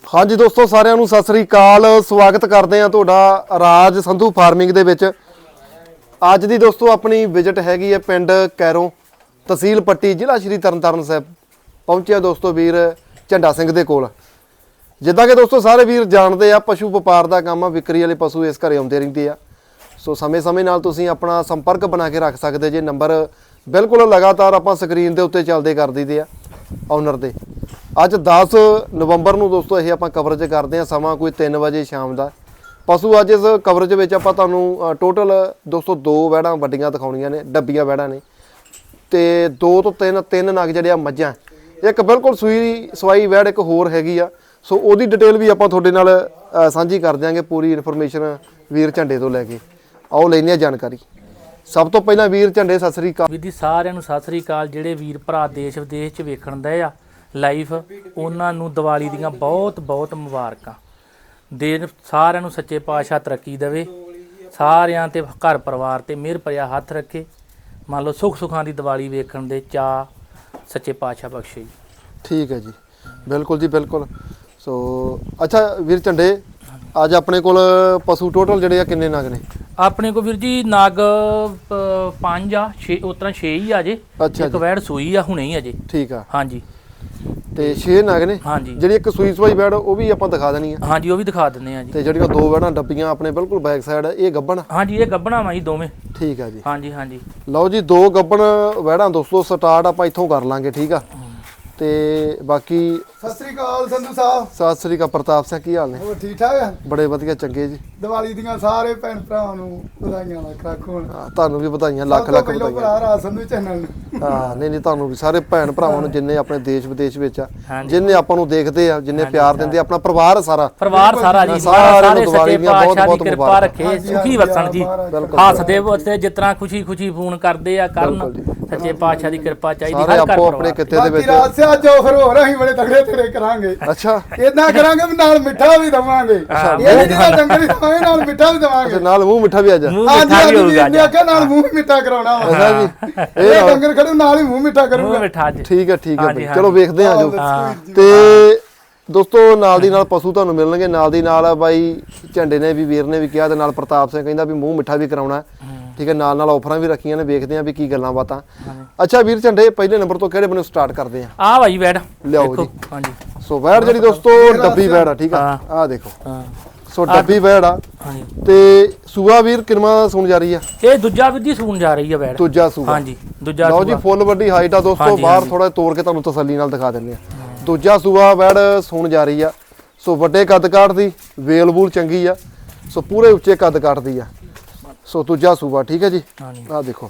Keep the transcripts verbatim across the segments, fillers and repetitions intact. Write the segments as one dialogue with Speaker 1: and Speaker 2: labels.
Speaker 1: हाँ जी दोस्तों सारिਆਂ ਨੂੰ ਸਤਿ ਸ੍ਰੀ ਅਕਾਲ ਸਵਾਗਤ ਕਰਦੇ ਆ ਤੁਹਾਡਾ ਰਾਜ ਸੰਧੂ ਫਾਰਮਿੰਗ ਦੇ ਵਿੱਚ। ਅੱਜ ਦੀ ਦੋਸਤੋ ਆਪਣੀ ਵਿਜ਼ਿਟ ਹੈਗੀ ਹੈ ਪਿੰਡ ਕੈਰੋਂ ਤਹਿਸੀਲ ਪੱਟੀ ਜ਼ਿਲ੍ਹਾ ਸ਼੍ਰੀ ਤਰਨਤਾਰਨ ਸਾਹਿਬ। ਪਹੁੰਚਿਆ ਦੋਸਤੋ ਵੀਰ ਝੰਡਾ ਸਿੰਘ ਦੇ ਕੋਲ। ਜਿੱਦਾਂ ਕਿ ਦੋਸਤੋ ਸਾਰੇ ਵੀਰ ਜਾਣਦੇ ਆ ਪਸ਼ੂ ਵਪਾਰ ਦਾ ਕੰਮ ਆ, ਵਿਕਰੀ ਵਾਲੇ ਪਸ਼ੂ ਇਸ ਘਰੇ ਆਉਂਦੇ ਰਹਿੰਦੇ ਆ। ਸੋ ਸਮੇਂ ਸਮੇਂ ਨਾਲ ਤੁਸੀਂ ਆਪਣਾ ਸੰਪਰਕ ਬਣਾ ਕੇ ਰੱਖ ਸਕਦੇ ਜੇ। ਨੰਬਰ ਬਿਲਕੁਲ ਲਗਾਤਾਰ ਆਪਾਂ ਸਕਰੀਨ ਦੇ ਉੱਤੇ ਚੱਲਦੇ ਕਰ ਦਈਦੇ ਆ ਓਨਰ ਦੇ। ਅੱਜ ਦਸ ਨਵੰਬਰ ਨੂੰ ਦੋਸਤੋ ਇਹ ਆਪਾਂ ਕਵਰੇਜ ਕਰਦੇ ਆ, ਸਮਾਂ ਕੋਈ ਤਿੰਨ ਵਜੇ ਸ਼ਾਮ ਦਾ। ਪਸ਼ੂ ਅੱਜ ਇਸ ਕਵਰੇਜ ਵਿੱਚ ਆਪਾਂ ਤੁਹਾਨੂੰ ਟੋਟਲ ਦੋਸਤੋ ਦੋ ਵੈੜਾਂ ਵੱਡੀਆਂ ਦਿਖਾਉਣੀਆਂ ਨੇ, ਡੱਬੀਆਂ ਵੈੜਾਂ ਨੇ, ਤੇ ਦੋ ਤੋਂ ਤਿੰਨ ਤਿੰਨ ਨਗ ਜਿਹੜੇ ਆ ਮੱਝਾਂ। ਇੱਕ ਬਿਲਕੁਲ ਸੂਈ ਸਵਾਈ ਵੈੜ ਇੱਕ ਹੋਰ ਹੈਗੀ ਆ। ਸੋ ਉਹਦੀ ਡਿਟੇਲ ਵੀ ਆਪਾਂ ਤੁਹਾਡੇ ਨਾਲ ਸਾਂਝੀ ਕਰ ਦਿਆਂਗੇ, ਪੂਰੀ ਇਨਫੋਰਮੇਸ਼ਨ ਵੀਰ ਝੰਡੇ ਤੋਂ ਲੈ ਕੇ। ਆਓ ਲੈਂਦੇ ਆ ਜਾਣਕਾਰੀ। ਸਭ ਤੋਂ ਪਹਿਲਾਂ ਵੀਰ ਝੰਡੇ ਸਤਿ ਸ੍ਰੀ ਅਕਾਲ।
Speaker 2: ਵੀਰ ਜੀ ਸਾਰਿਆਂ ਨੂੰ ਸਤਿ ਸ੍ਰੀ ਅਕਾਲ। ਜਿਹੜੇ ਵੀਰ ਭਰਾ ਦੇਸ਼ ਵਿਦੇਸ਼ 'ਚ ਵੇਖਣ ਦੇ ਆ ਲਾਈਵ, ਉਹਨਾਂ ਨੂੰ ਦੀਵਾਲੀ ਦੀਆਂ ਬਹੁਤ ਬਹੁਤ ਮੁਬਾਰਕਾਂ ਦੇਣ। ਸਾਰਿਆਂ ਨੂੰ ਸੱਚੇ ਪਾਤਸ਼ਾਹ ਤਰੱਕੀ ਦੇਵੇ, ਸਾਰਿਆਂ ਤੇ ਘਰ ਪਰਿਵਾਰ ਤੇ ਮਿਹਰ ਭਰਿਆ ਹੱਥ ਰੱਖੇ। ਮੰਨ ਲਓ ਸੁੱਖ ਸੁੱਖਾਂ ਦੀ ਦੀਵਾਲੀ ਵੇਖਣ ਦੇ ਚਾਅ ਸੱਚੇ ਪਾਤਸ਼ਾਹ ਬਖਸ਼ੇ।
Speaker 1: ਠੀਕ ਹੈ ਜੀ, ਬਿਲਕੁਲ ਜੀ ਬਿਲਕੁਲ। ਸੋ ਅੱਛਾ ਵੀਰ ਝੰਡੇ, ਅੱਜ ਆਪਣੇ ਕੋਲ ਪਸ਼ੂ ਟੋਟਲ ਜਿਹੜੇ ਆ ਕਿੰਨੇ ਨਗ ਨੇ?
Speaker 2: ਆਪਣੇ ਕੋ ਵੀਰ ਜੀ ਨਗ ਪੰਜ ਆ, ਛੇ ਉਸ ਤਰ੍ਹਾਂ ਛੇ ਹੀ ਆ ਜੇ।
Speaker 1: ਅੱਛਾ
Speaker 2: ਇੱਕ ਵੈੜ ਸੂਈ ਆ ਹੁਣੇ ਹੀ ਅਜੇ।
Speaker 1: ਠੀਕ ਆ,
Speaker 2: ਹਾਂਜੀ।
Speaker 1: ਤੇ ਛੇ ਨਗ ਨੇ।
Speaker 2: ਹਾਂਜੀ।
Speaker 1: ਜਿਹੜੀ ਇੱਕ ਸੂਈ ਸਵਾਈ ਵੈੜ ਉਹ ਵੀ ਆਪਾਂ ਦਿਖਾ ਦੇਣੀ ਆ।
Speaker 2: ਹਾਂਜੀ ਉਹ ਵੀ ਦਿਖਾ ਦਿੰਦੇ ਆ ਜੀ।
Speaker 1: ਤੇ ਜਿਹੜੀਆਂ ਦੋ ਵੈੜਾਂ ਡੱਬੀਆਂ ਆਪਣੇ ਬਿਲਕੁਲ ਬੈਕ ਸਾਈਡ, ਇਹ ਗੱਬਣ?
Speaker 2: ਹਾਂਜੀ ਇਹ ਗੱਬਣਾ ਵਾ ਜੀ ਦੋਵੇਂ।
Speaker 1: ਠੀਕ ਆ ਜੀ।
Speaker 2: ਹਾਂਜੀ ਹਾਂਜੀ।
Speaker 1: ਲਓ ਜੀ, ਦੋ ਗੱਬਣ ਵੈੜਾਂ ਦੋਸਤੋ ਸਟਾਰਟ ਆਪਾਂ ਇੱਥੋਂ ਕਰ ਲਾਂਗੇ। ਠੀਕ ਆ, ਤੇ ਬਾਕੀ
Speaker 3: ਸਤਿ ਸ੍ਰੀ ਅਕਾਲ ਸੰਧੂ ਸਾਹਿਬ।
Speaker 1: ਸਤਿ ਸ੍ਰੀ ਅਕਾਲ ਪ੍ਰਤਾਪ ਸਿੰਘ, ਕੀ ਹਾਲ ਨੇ?
Speaker 3: ਹੋਰ ਠੀਕ ਠਾਕ ਆ?
Speaker 1: ਬੜੇ ਵਧੀਆ ਚੰਗੇ ਜੀ।
Speaker 3: ਦੀਵਾਲੀ ਦੀਆਂ ਸਾਰੇ ਭੈਣ ਭਰਾਵਾਂ ਨੂੰ ਵਧਾਈਆਂ ਲੱਖ ਲੱਖ ਹੋਣ।
Speaker 1: ਹਾਂ, ਤੁਹਾਨੂੰ ਵੀ ਵਧਾਈਆਂ ਲੱਖ ਲੱਖ ਵਧਾਈਆਂ।
Speaker 3: ਭਰਾ ਰਾਜ ਸੰਧੂ ਚੈਨਲ ਨੂੰ।
Speaker 1: ਹਾਂ ਨਹੀਂ ਨਹੀਂ, ਤੁਹਾਨੂੰ ਵੀ ਸਾਰੇ ਭੈਣ ਭਰਾਵਾਂ ਨੂੰ ਜਿੰਨੇ ਆਪਣੇ ਦੇਸ਼ ਵਿਦੇਸ਼ ਵਿੱਚ ਆ,
Speaker 2: ਹਾਂਜੀ।
Speaker 1: ਜਿੰਨੇ ਆਪਾਂ ਨੂੰ ਦੇਖਦੇ ਆ, ਜਿੰਨੇ ਪਿਆਰ ਦਿੰਦੇ ਆ, ਆਪਣਾ ਪਰਿਵਾਰ ਸਾਰਾ
Speaker 2: ਪਰਿਵਾਰ ਸਾਰਾ ਜੀ,
Speaker 1: ਸਾਰਿਆਂ
Speaker 2: ਸਾਰੇ
Speaker 1: ਨੂੰ ਦੀਵਾਲੀ
Speaker 2: ਸੱਚੇ
Speaker 1: ਦੀਆਂ ਬਹੁਤ
Speaker 2: ਪਾਤਸ਼ਾਹ
Speaker 1: ਬਹੁਤ
Speaker 2: ਦੀ ਕਿਰਪਾ
Speaker 1: ਮੁਬਾਰਕਾਂ।
Speaker 2: ਰੱਖੇ, ਸੁਖੀ ਵਸਣ ਜੀ, ਹੱਸਦੇ ਵਸਦੇ ਜਿਸ ਤਰ੍ਹਾਂ ਖੁਸ਼ੀ ਖੁਸ਼ੀ ਫੋਨ ਕਰਦੇ ਆ ਕਰਨ। ਸੱਚੇ ਪਾਤਸ਼ਾਹ ਦੀ ਕਿਰਪਾ ਚਾਹੀਦੀ
Speaker 1: ਸਾਰੇ
Speaker 2: ਹਰ ਘਰ
Speaker 1: ਆਪੋ ਆਪਣੇ ਕਿੱਤੇ ਦੇ
Speaker 3: ਬਾਕੀ
Speaker 1: ਵਿੱਚ।
Speaker 3: ਰਾਜ ਸਿਆ ਜੋ ਫਿਰ ਹੋਰ ਅਸੀਂ ਬੜੇ ਤਗੜੇ ਤਗੜੇ ਕਰਾਂਗੇ।
Speaker 1: ਅੱਛਾ,
Speaker 3: ਇਦਾਂ ਕਰਾਂਗੇ ਵੀ ਨਾਲ ਮਿੱਠਾ ਵੀ ਦਵਾਂਗੇ। ਇਹ ਜਿਹੜਾ ਡੰਗਰ ਖਾਵੇ ਨਾਲ ਮਿੱਠਾ ਵੀ ਦਵਾਂਗੇ।
Speaker 1: ਨਾਲ ਮੂੰਹ ਮਿੱਠਾ ਵੀ ਆ ਜਾ।
Speaker 2: ਮੂੰਹ
Speaker 3: ਹਾਂਜੀ
Speaker 2: ਮਿੱਠਾ ਵੀ
Speaker 3: ਹਾਂਜੀ,
Speaker 2: ਹੋਊਗਾ
Speaker 3: ਇਹਨੇ ਆਖਿਆ ਨਾਲ ਮੂੰਹ ਮਿੱਠਾ ਕਰਾਉਣਾ ਵਾ।
Speaker 1: ਅੱਛਾ ਜੀ,
Speaker 3: ਇਹ ਡੰਗਰ ਖੜੂ ਨਾਲ ਹੀ ਮੂੰਹ ਮਿੱਠਾ
Speaker 2: ਮੂੰਹ
Speaker 3: ਕਰੂਗਾ।
Speaker 2: ਮਿੱਠਾ ਜੀ।
Speaker 1: ਠੀਕ ਹੈ ਠੀਕ ਹੈ
Speaker 2: ਹਾਂਜੀ,
Speaker 1: ਬਈ। ਚਲੋ ਵੇਖਦੇ ਆ ਜੋ। ਤੇ ਦੋਸਤੋ ਨਾਲ ਦੀ ਨਾਲ ਪਸ਼ੂ ਤੁਹਾਨੂੰ ਮਿਲਣਗੇ। ਨਾਲ ਦੀ ਨਾਲ ਬਾਈ ਝੰਡੇ ਨੇ ਵੀ, ਵੀਰ ਨੇ ਵੀ ਕਿਹਾ, ਤੇ ਨਾਲ ਪ੍ਰਤਾਪ ਸਿੰਘ ਕਹਿੰਦਾ ਵੀ ਮੂੰਹ ਮਿੱਠਾ ਵੀ ਕਰਾਉਣਾ। ਠੀਕ ਹੈ, ਨਾਲ ਨਾਲ ਆਫਰਾਂ ਵੀ ਰੱਖੀਆਂ ਨੇ। ਵੇਖਦੇ ਆ ਵੀ ਕੀ ਗੱਲਾਂ ਬਾਤਾਂ। ਅੱਛਾ ਵੀਰ ਝੰਡੇ, ਪਹਿਲੇ ਨੰਬਰ ਤੋਂ ਕਿਹੜੇ ਬੰਨੇ ਸਟਾਰਟ ਕਰਦੇ ਆ?
Speaker 2: ਆ ਭਾਈ ਵੈੜ
Speaker 1: ਲਿਆਓ ਜੀ।
Speaker 2: ਹਾਂਜੀ।
Speaker 1: ਸੋ ਵੈੜ ਜਿਹੜੀ ਦੋਸਤੋ ਡੱਬੀ ਵੈੜ ਆ। ਠੀਕ ਆ, ਆਹ ਦੇਖੋ।
Speaker 2: ਹਾਂ
Speaker 1: ਸੋ ਡੱਬੀ ਵੈੜ ਆ।
Speaker 2: ਹਾਂਜੀ।
Speaker 1: ਤੇ ਸੂਆ ਵੀਰ ਕਿੰਨਾ ਸੁਣ ਜਾ ਰਹੀ ਆ?
Speaker 2: ਇਹ ਦੂਜਾ ਵਿਧੀ ਸੂਣ ਜਾ ਰਹੀ ਆ ਵੈੜ।
Speaker 1: ਦੂਜਾ ਸੂਆ।
Speaker 2: ਹਾਂਜੀ ਦੂਜਾ
Speaker 1: ਲਓ ਜੀ, ਫੁੱਲ ਵੱਡੀ ਹਾਈਟ ਆ ਦੋਸਤੋ। ਬਾਹਰ ਥੋੜਾ ਤੋੜ ਕੇ ਤੁਹਾਨੂੰ ਤਸੱਲੀ ਨਾਲ ਦਿਖਾ ਦਿੰਦੇ ਆ। ਦੂਜਾ ਸੂਆ ਵੈੜ ਸੁਣ ਜਾ ਰਹੀ ਆ। ਸੋ ਵੱਡੇ ਕੱਦ ਕਾਠ ਦੀ, ਵੇਲ ਵੂਲ ਚੰਗੀ ਆ। ਸੋ ਪੂਰੇ ਉੱਚੇ ਕੱਦ ਕਾਠ ਦੀ ਆ। ਸੋ ਦੂਜਾ ਸੂਆ। ਠੀਕ ਹੈ ਜੀ। ਆਹ ਦੇਖੋ।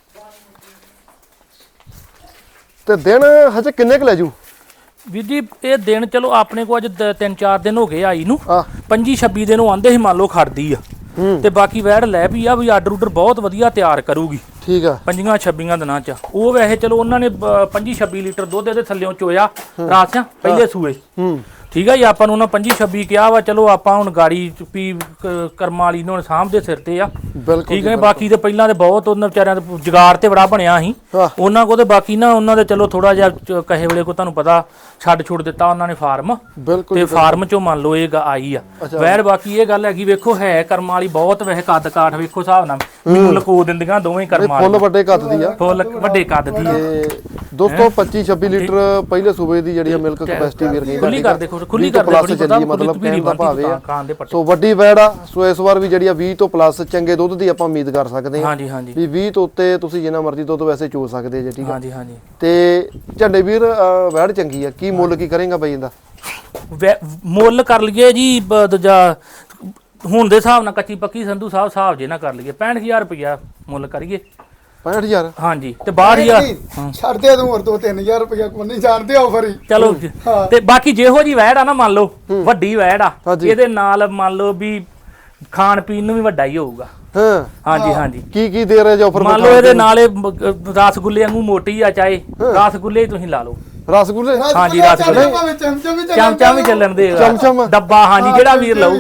Speaker 1: ਤੇ ਦਿਨ ਹਜੇ ਕਿੰਨੇ ਕੁ ਲੈ ਜੂ
Speaker 2: ਵੀਰ ਜੀ? ਇਹ ਦਿਨ ਚਲੋ ਆਪਣੇ ਕੋ ਅੱਜ ਦ- ਤਿੰਨ ਚਾਰ ਦਿਨ ਹੋ ਗਏ ਆਈ ਨੂੰ।
Speaker 1: ਆ
Speaker 2: ਪੰਜੀ ਛੱਬੀ ਦਿਨ ਉਹ ਆਂਦੇ ਸੀ ਮੰਨ ਲਓ ਖੜਦੀ ਆ। ਤੇ ਬਾਕੀ ਵੈੜ ਲੈ ਵੀ ਆ ਵੀ ਆਰਡਰ ਉਡਰ ਬਹੁਤ ਵਧੀਆ ਤਿਆਰ ਕਰੂਗੀ।
Speaker 1: ਠੀਕ ਆ।
Speaker 2: ਪੰਜੀਆਂ ਛੱਬੀਆਂ ਦਿਨਾਂ ਚ ਉਹ ਵੈਸੇ ਚਲੋ ਉਹਨਾਂ ਨੇ ਪੰਜੀ ਛੱਬੀ ਲੀਟਰ ਦੁੱਧ ਇਹਦੇ ਥੱਲੇੋਂ ਚੋਇਆ ਰਾਸਿਆਂ ਪਹਿਲੇ ਸੂਏ।
Speaker 1: ਹੂੰ
Speaker 2: ਠੀਕ ਆ ਜੀ। ਆਪਾਂ ਨੂੰ ਉਹਨਾਂ ਪੰਜੀ ਛੱਬੀ ਕਿਹਾ ਵਾ। ਚਲੋ ਆਪਾਂ ਹੁਣ ਗਾੜੀ ਵੀ ਕਰਮਾਂ ਵਾਲੀ ਨੂੰ ਸਾਂਭ ਦੇ ਸਿਰ ਤੇ ਆ।
Speaker 1: ਬਿਲਕੁਲ
Speaker 2: ਠੀਕ ਹੈ। ਬਾਕੀ ਤੇ ਪਹਿਲਾਂ ਤੇ ਬਹੁਤ ਉਹਨਾਂ ਵਿਚਾਰਿਆਂ ਦਾ ਜੁਗਾੜ ਤੇ ਬੜਾ ਬਣਿਆ ਸੀ ਉਹਨਾਂ ਕੋ। ਤੇ ਬਾਕੀ ਨਾ ਉਹਨਾਂ ਦੇ ਚਲੋ ਥੋੜਾ ਜਿਹਾ ਚ- ਕਹੇ ਵੇਲੇ ਕੋ ਤੁਹਾਨੂੰ ਪਤਾ ਛੱਡ ਛੁੱਟ ਦਿੱਤਾ ਉਹਨਾਂ ਨੇ ਫਾਰਮ।
Speaker 1: ਬਿਲਕੁਲ
Speaker 2: ਤੇ ਫਾਰਮ ਚੋਂ ਮੰਨ ਲਓ ਇਹ ਗ- ਆਈ ਆ ਵੈਰ। ਬਾਕੀ ਇਹ ਗੱਲ ਹੈਗੀ ਵੇਖੋ ਹੈ ਕਰਮਾਂ ਵਾਲੀ ਬਹੁਤ। ਵੈਸੇ ਕੱਦ ਕਾਠ ਵੇਖੋ ਹਿਸਾਬ ਨਾਲ ਮੈਨੂੰ ਲਕੋ ਦਿੰਦੀਆਂ ਦੋਵੇਂ ਕਰਮਾਂ
Speaker 1: ਫੁੱਲ
Speaker 2: ਵਾਲੀ।
Speaker 1: ਵੱਡੇ ਕੱਦ ਦੀ ਆ।
Speaker 2: ਫੁੱਲ ਵੱਡੇ ਕੱਦ ਦੀ ਆ।
Speaker 1: ਤੇ ਦੋਸਤੋ ਪੱਚੀ ਛੱਬੀ ਲੀਟਰ ਪਹਿਲੇ ਸੂਬੇ ਦੀ ਜਿਹੜੀ ਆ ਮਿਲਕ ਕਪੈਸਿਟੀ ਵੀਰ ਕਹਿੰਦਾ।
Speaker 2: ਖੁੱਲੀ ਕਰ ਦੇਖੋ, ਖੁੱਲੀ ਕਰ
Speaker 1: ਪਲੱਸ
Speaker 2: ਦੇ
Speaker 1: ਚੱਲੀ ਮਤਲਬ ਕਹਿਣ ਦਾ ਭਾਵ ਇਹ ਆ।
Speaker 2: ਖਾਣ ਦੇ ਪੱਟੇ।
Speaker 1: ਸੋ ਵੱਡੀ ਵੈੜ ਆ। ਸੋ ਇਸ ਵਾਰ ਵੀ ਜਿਹੜੀ ਆ ਵੀਹ ਤੋਂ ਪਲੱਸ ਚੰਗੇ ਦੁੱਧ ਦੀ ਆਪਾਂ ਉਮੀਦ ਕਰ ਸਕਦੇ ਹਾਂ।
Speaker 2: ਹਾਂਜੀ ਹਾਂਜੀ
Speaker 1: ਵੀ ਵੀਹ ਤੋਂ ਉੱਤੇ ਤੁਸੀਂ ਜਿੰਨਾ ਮਰਜ਼ੀ ਦੁੱਧ ਵੈਸੇ ਚੋ ਸਕਦੇ ਜੇ। ਠੀਕ ਆ।
Speaker 2: ਹਾਂਜੀ ਹਾਂਜੀ।
Speaker 1: ਤੇ ਝੰਡੇ ਵੀਰ ਅਹ ਵੈੜ ਚੰਗੀ ਆ। ਕੀ ਮੁੱਲ ਕੀ ਕਰੇਗਾ ਬਾਈ ਇਹਦਾ?
Speaker 2: ਵੈ- ਮੁੱਲ ਕਰ ਲਈਏ ਜੀ ਬ- ਦੂਜਾ ਹੁਣ ਦੇ ਹਿਸਾਬ ਨਾਲ ਕੱਚੀ ਪੱਕੀ ਸੰਧੂ ਸਾਹਿਬ ਹਿਸਾਬ ਜੇ ਨਾ ਕਰ ਲਈਏ ਪੈਂਹਠ ਹਜ਼ਾਰ ਰੁਪਇਆ ਮੁੱਲ ਕਰੀਏ।
Speaker 1: ਪੈਂਹਠ ਹਜ਼ਾਰ?
Speaker 2: ਹਾਂਜੀ। ਤੇ ਬਾਹਠ ਹਜ਼ਾਰ
Speaker 3: ਛੱਡ ਦੇ ਤੂੰ ਹੋਰ ਦੋ ਤਿੰਨ ਹਜ਼ਾਰ ਰੁਪਇਆ ਕੋਈ ਨਹੀਂ ਜਾਣਦੇ ਆਫਰ ਹੀ।
Speaker 2: ਚਲੋ ਜੀ। ਤੇ ਬਾਕੀ ਜਿਹੋ ਜੀ ਵੈੜ ਆ ਨਾ ਮੰਨ ਲਓ ਵੱਡੀ ਵੈੜ ਆ,
Speaker 1: ਹਾਂਜੀ।
Speaker 2: ਇਹਦੇ ਨਾਲ ਮੰਨ ਲਓ ਵੀ ਖਾਣ ਪੀਣ ਨੂੰ ਵੀ ਵੱਡਾ ਹੀ ਹੋਊਗਾ।
Speaker 1: ਹਾਂ
Speaker 2: ਹਾਂਜੀ ਹਾਂਜੀ।
Speaker 1: ਕੀ ਕੀ ਦੇ ਰਹੇ ਜੋ ਆਫਰ?
Speaker 2: ਮੰਨ ਲਓ ਇਹਦੇ ਨਾਲ ਇਹ ਮ- ਅ, ਰਸਗੁੱਲੇ ਵਾਂਗੂ ਮੋਟੀ ਆ, ਚਾਹੇ ਰਸਗੁੱਲੇ ਹੀ ਤੁਸੀਂ ਲਾ ਲਓ।
Speaker 1: ਰਸਗੁੱਲੇ?
Speaker 2: ਹਾਂਜੀ, ਰਸਗੁੱਲੇ।
Speaker 3: ਚਮਚਮ ਵੀ
Speaker 2: ਚਮਚਾ ਵੀ ਚੱਲਣ ਦੇ
Speaker 1: ਚਮਚਮ?
Speaker 2: ਡੱਬਾ। ਹਾਂਜੀ ਜਿਹੜਾ ਵੀਰ ਲਊਗਾ।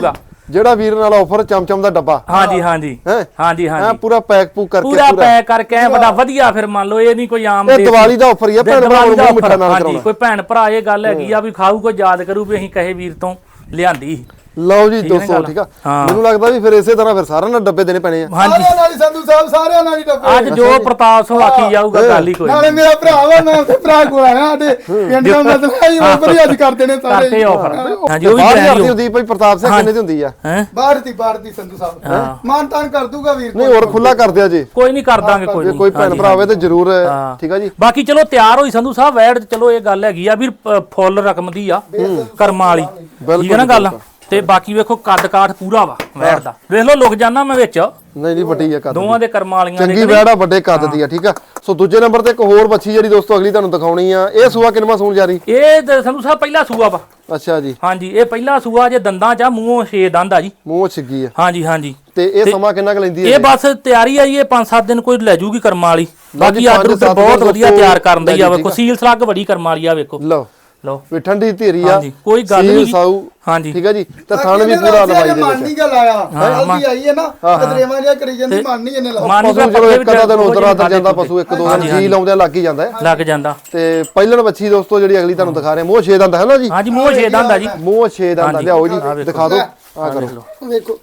Speaker 1: ਜਿਹੜਾ ਵੀਰ ਨਾਲ ਆਫਰ ਚਮਚਮ ਦਾ ਡੱਬਾ
Speaker 2: ਹਾਂਜੀ ਹਾਂਜੀ
Speaker 1: ਹੈ
Speaker 2: ਹਾਂਜੀ
Speaker 1: ਹਾਂ
Speaker 2: ਹਾਂਜੀ
Speaker 1: ਪੂਰਾ ਪੈਕ ਪੂਕ ਕਰਕੇ
Speaker 2: ਪੂਰਾ ਪੈਕ ਕਰਕੇ ਐ ਬੜਾ ਵਧੀਆ ਫਿਰ ਮੰਨ ਲਓ ਇਹ ਨਹੀਂ ਕੋਈ ਆਮ
Speaker 1: ਇਹ
Speaker 2: ਦੇਸੀ-
Speaker 1: ਦੀਵਾਲੀ ਦਾ ਆਫਰ ਹੀ ਆ ਭੈਣ ਭਰਾ ਨੂੰ ਮੂੰਹ ਮਿੱਠਾ ਨਾਲ
Speaker 2: ਹਾਂਜੀ
Speaker 1: ਕਰਾਉਣਾ
Speaker 2: ਕੋਈ ਭੈਣ ਭਰਾ ਇਹ ਗੱਲ ਹੈਗੀ ਆ ਵੀ ਖਾਊ ਕੋਈ ਯਾਦ ਕਰੂ ਵੀ ਅਸੀਂ ਕਹੇ ਵੀਰ ਤੋਂ ਲਿਆਂਦੀ।
Speaker 1: ਲਓ ਜੀ ਦੋਸਤੋ ਠੀਕ ਆ ਮੈਨੂੰ ਲੱਗਦਾ ਵੀ ਫਿਰ ਇਸੇ ਤਰ੍ਹਾਂ ਫਿਰ ਸਾਰਿਆਂ ਨੂੰ ਡੱਬੇ ਦੇਣੇ ਪੈਣੇ ਆ
Speaker 2: ਹਾਂਜੀ
Speaker 3: ਸਾਰਿਆਂ ਨਾਲ ਹੀ ਸੰਧੂ ਸਾਹਿਬ ਸਾਰਿਆਂ ਨਾਲ ਹੀ ਡੱਬੇ
Speaker 2: ਅੱਜ ਜੋ ਪ੍ਰਤਾਪ ਸੋ ਆਖੀ ਜਾਊਗਾ ਗੱਲ ਹੀ ਕੋਈ
Speaker 3: ਨਾਲੇ ਮੇਰਾ ਭਰਾ ਵਾ ਮੈਂ ਤੇ ਭਰਾ ਕੋਲ ਆਇਆ ਸਾਡੇ ਪਿੰਡ ਦਾ ਮਤਲਬ ਹੀ ਆਫਰ ਹੀ ਅੱਜ ਕਰਦੇ ਨੇ ਸਾਰੇ
Speaker 2: ਕਰਕੇ ਆਫਰ ਹਾਂਜੀ ਉਹ ਵੀ
Speaker 1: ਬਾਹਰ
Speaker 2: ਗਰੰਟੀ
Speaker 1: ਦੀ ਹੁੰਦੀ ਭਾਈ ਪ੍ਰਤਾਪ ਸਿੰਘ ਕਿੰਨੇ ਦੀ ਹੁੰਦੀ ਆ
Speaker 2: ਹੈ
Speaker 3: ਬਾਹਰ ਦੀ ਬਾਹਰ ਦੀ ਸੰਧੂ ਸਾਹਿਬ ਮਾਨ ਤਾਨ ਕਰ ਦੂਗਾ ਵੀਰ
Speaker 1: ਨਹੀਂ ਹੋਰ ਖੁੱਲਾ ਕਰ ਦਿਆ ਜੀ
Speaker 2: ਕੋਈ ਨਹੀਂ ਕਰ ਦਾਂਗੇ ਕੋਈ
Speaker 1: ਜੇ
Speaker 2: ਨਹੀਂ
Speaker 1: ਕੋਈ ਭੈਣ ਭਰਾ ਹੋਵੇ ਤੇ ਜ਼ਰੂਰ ਠੀਕ ਆ ਜੀ
Speaker 2: ਬਾਕੀ ਚਲੋ ਤਿਆਰ ਹੋਈ ਸੰਧੂ ਸਾਹਿਬ ਵੈੜ ਚਲੋ ਇਹ ਗੱਲ ਹੈਗੀ ਆ ਵੀ ਅ, ਫੁੱਲ ਰਕਮ ਦੀ ਆ ਕਰਮਾਂ ਵਾਲੀ ਠੀਕ ਹੈ ਨਾ ਗੱਲ ਤੇ ਬਾਕੀ ਵੇਖੋ ਕੱਦ ਕਾਠ ਪੂਰਾ ਵਾ ਵੈੜ ਦਾ ਵੇਖ ਲਓ ਲੁਕ ਜਾਣਾ ਮੈਂ ਵਿੱਚ
Speaker 1: ਨਹੀਂ ਨਹੀਂ ਵੱਡੀ ਆ ਕੱਦ
Speaker 2: ਦੋਵਾਂ ਦੇ ਕਰਮਾਂ ਵਾਲੀਆਂ
Speaker 1: ਚੰਗੀ ਵੈੜ ਆ ਵੱਡੇ ਕੱਦ ਦੀ ਆ ਠੀਕ ਆ ਸੋ ਦੂਜੇ ਨੰਬਰ ਤੇ ਇੱਕ ਹੋਰ ਬੱਚੀ ਜਿਹੜੀ ਦੋਸਤੋ ਅਗਲੀ ਤੁਹਾਨੂੰ ਦਿਖਾਉਣੀ ਆ ਇਹ ਸੂਆ ਕਿੰਨਵਾਂ ਸੂਣ ਜਾਰੀ
Speaker 2: ਇਹ ਤਾਂ ਸੰਧੂ ਸਾਹਿਬ ਪਹਿਲਾ ਸੂਆ ਵਾ
Speaker 1: ਅੱਛਾ ਜੀ
Speaker 2: ਹਾਂਜੀ ਇਹ ਪਹਿਲਾ ਸੂਆ ਜੇ ਦੰਦਾਂ ਚ ਆ, ਮੂੰਹੋਂ ਛੇ ਦੰਦ ਆ ਜੀ
Speaker 1: ਮੂੰਹ ਛਿੱਗੀ ਆ
Speaker 2: ਹਾਂਜੀ ਹਾਂਜੀ
Speaker 1: ਤੇ ਇਹ ਸਮਾਂ ਕਿੰਨਾ ਕੁ ਲੈਂਦੀ ਹੈ
Speaker 2: ਇਹ ਬਸ ਤਿਆਰੀ ਆ ਜੀ ਇਹ ਪੰਜ ਸੱਤ ਦਿਨ ਕੋਈ ਲੈ ਜੂਗੀ ਕਰਮਾਂ ਵਾਲੀ ਬਾਕੀ
Speaker 1: ਪੰਜ
Speaker 2: ਆਰਡਰ
Speaker 1: ਸੱਤ
Speaker 2: ਬਹੁਤ
Speaker 1: ਦਿਨ
Speaker 2: ਵਧੀਆ
Speaker 1: ਦੋਸਤੋ
Speaker 2: ਤਿਆਰ ਕਰਨ ਦੀ ਆ
Speaker 1: ਲੈ
Speaker 2: ਵੇਖੋ ਸੀਲ ਸਲੱਗ ਬੜੀ ਕਰਮਾਂ ਵਾਲੀ ਆ ਵੇਖੋ
Speaker 1: ਲਓ
Speaker 2: ਲਓ
Speaker 1: ਵੀ ਠੰਡੀ ਧੀਰੀ ਆ
Speaker 2: ਹਾਂਜੀ ਕੋਈ ਗੱਲ
Speaker 1: ਸੀਲ
Speaker 2: ਨਹੀਂ
Speaker 1: ਸਾਊ
Speaker 2: ਹਾਂਜੀ
Speaker 1: ਠੀਕ ਆ ਜੀ ਤੇ ਥਣ ਵੀ ਪੂਰਾ ਲਵਾਈ ਦੇ
Speaker 3: ਮਨ ਨਹੀਂ ਗੱਲ ਆਇਆ ਹਲਦੀ ਆਈ ਹੈ ਨਾ ਕਦਰੇਵਾਂ ਜਿਹਾ ਕਰੀ ਜਾਂਦੀ ਮਨ ਨਹੀਂ ਇਹਨੇ ਲਾਇਆ
Speaker 2: ਮਾਨੀ
Speaker 1: ਪਸ਼ੂ ਚਲੋ ਇੱਕ ਅੱਧਾ ਦਿਨ ਉਧਰ ਆਦਰ ਜਾਂਦਾ ਪਸ਼ੂ ਇੱਕ ਦੋ ਦਿਨ ਜੀ ਲਾਉਂਦੇ ਲੱਗ ਹੀ ਜਾਂਦਾ ਹੈ
Speaker 2: ਲੱਗ ਜਾਂਦਾ
Speaker 1: ਤੇ ਪਹਿਲਣ ਬੱਚੀ ਦੋਸਤੋ ਜਿਹੜੀ ਅਗਲੀ ਤੁਹਾਨੂੰ ਦਿਖਾ ਰਹੇ ਮੂੰਹ ਛੇ ਦੰਦ ਹੈ ਨਾ ਜੀ
Speaker 2: ਹਾਂਜੀ ਮੂੰਹ ਛੇ ਦੰਦ ਆ ਜੀ
Speaker 1: ਮੂੰਹ ਛੇ ਦੰਦ ਲਿਆਓ ਜੀ ਦਿਖਾ ਦਿਓ ਆ ਕਰੋ
Speaker 3: ਵੇਖੋ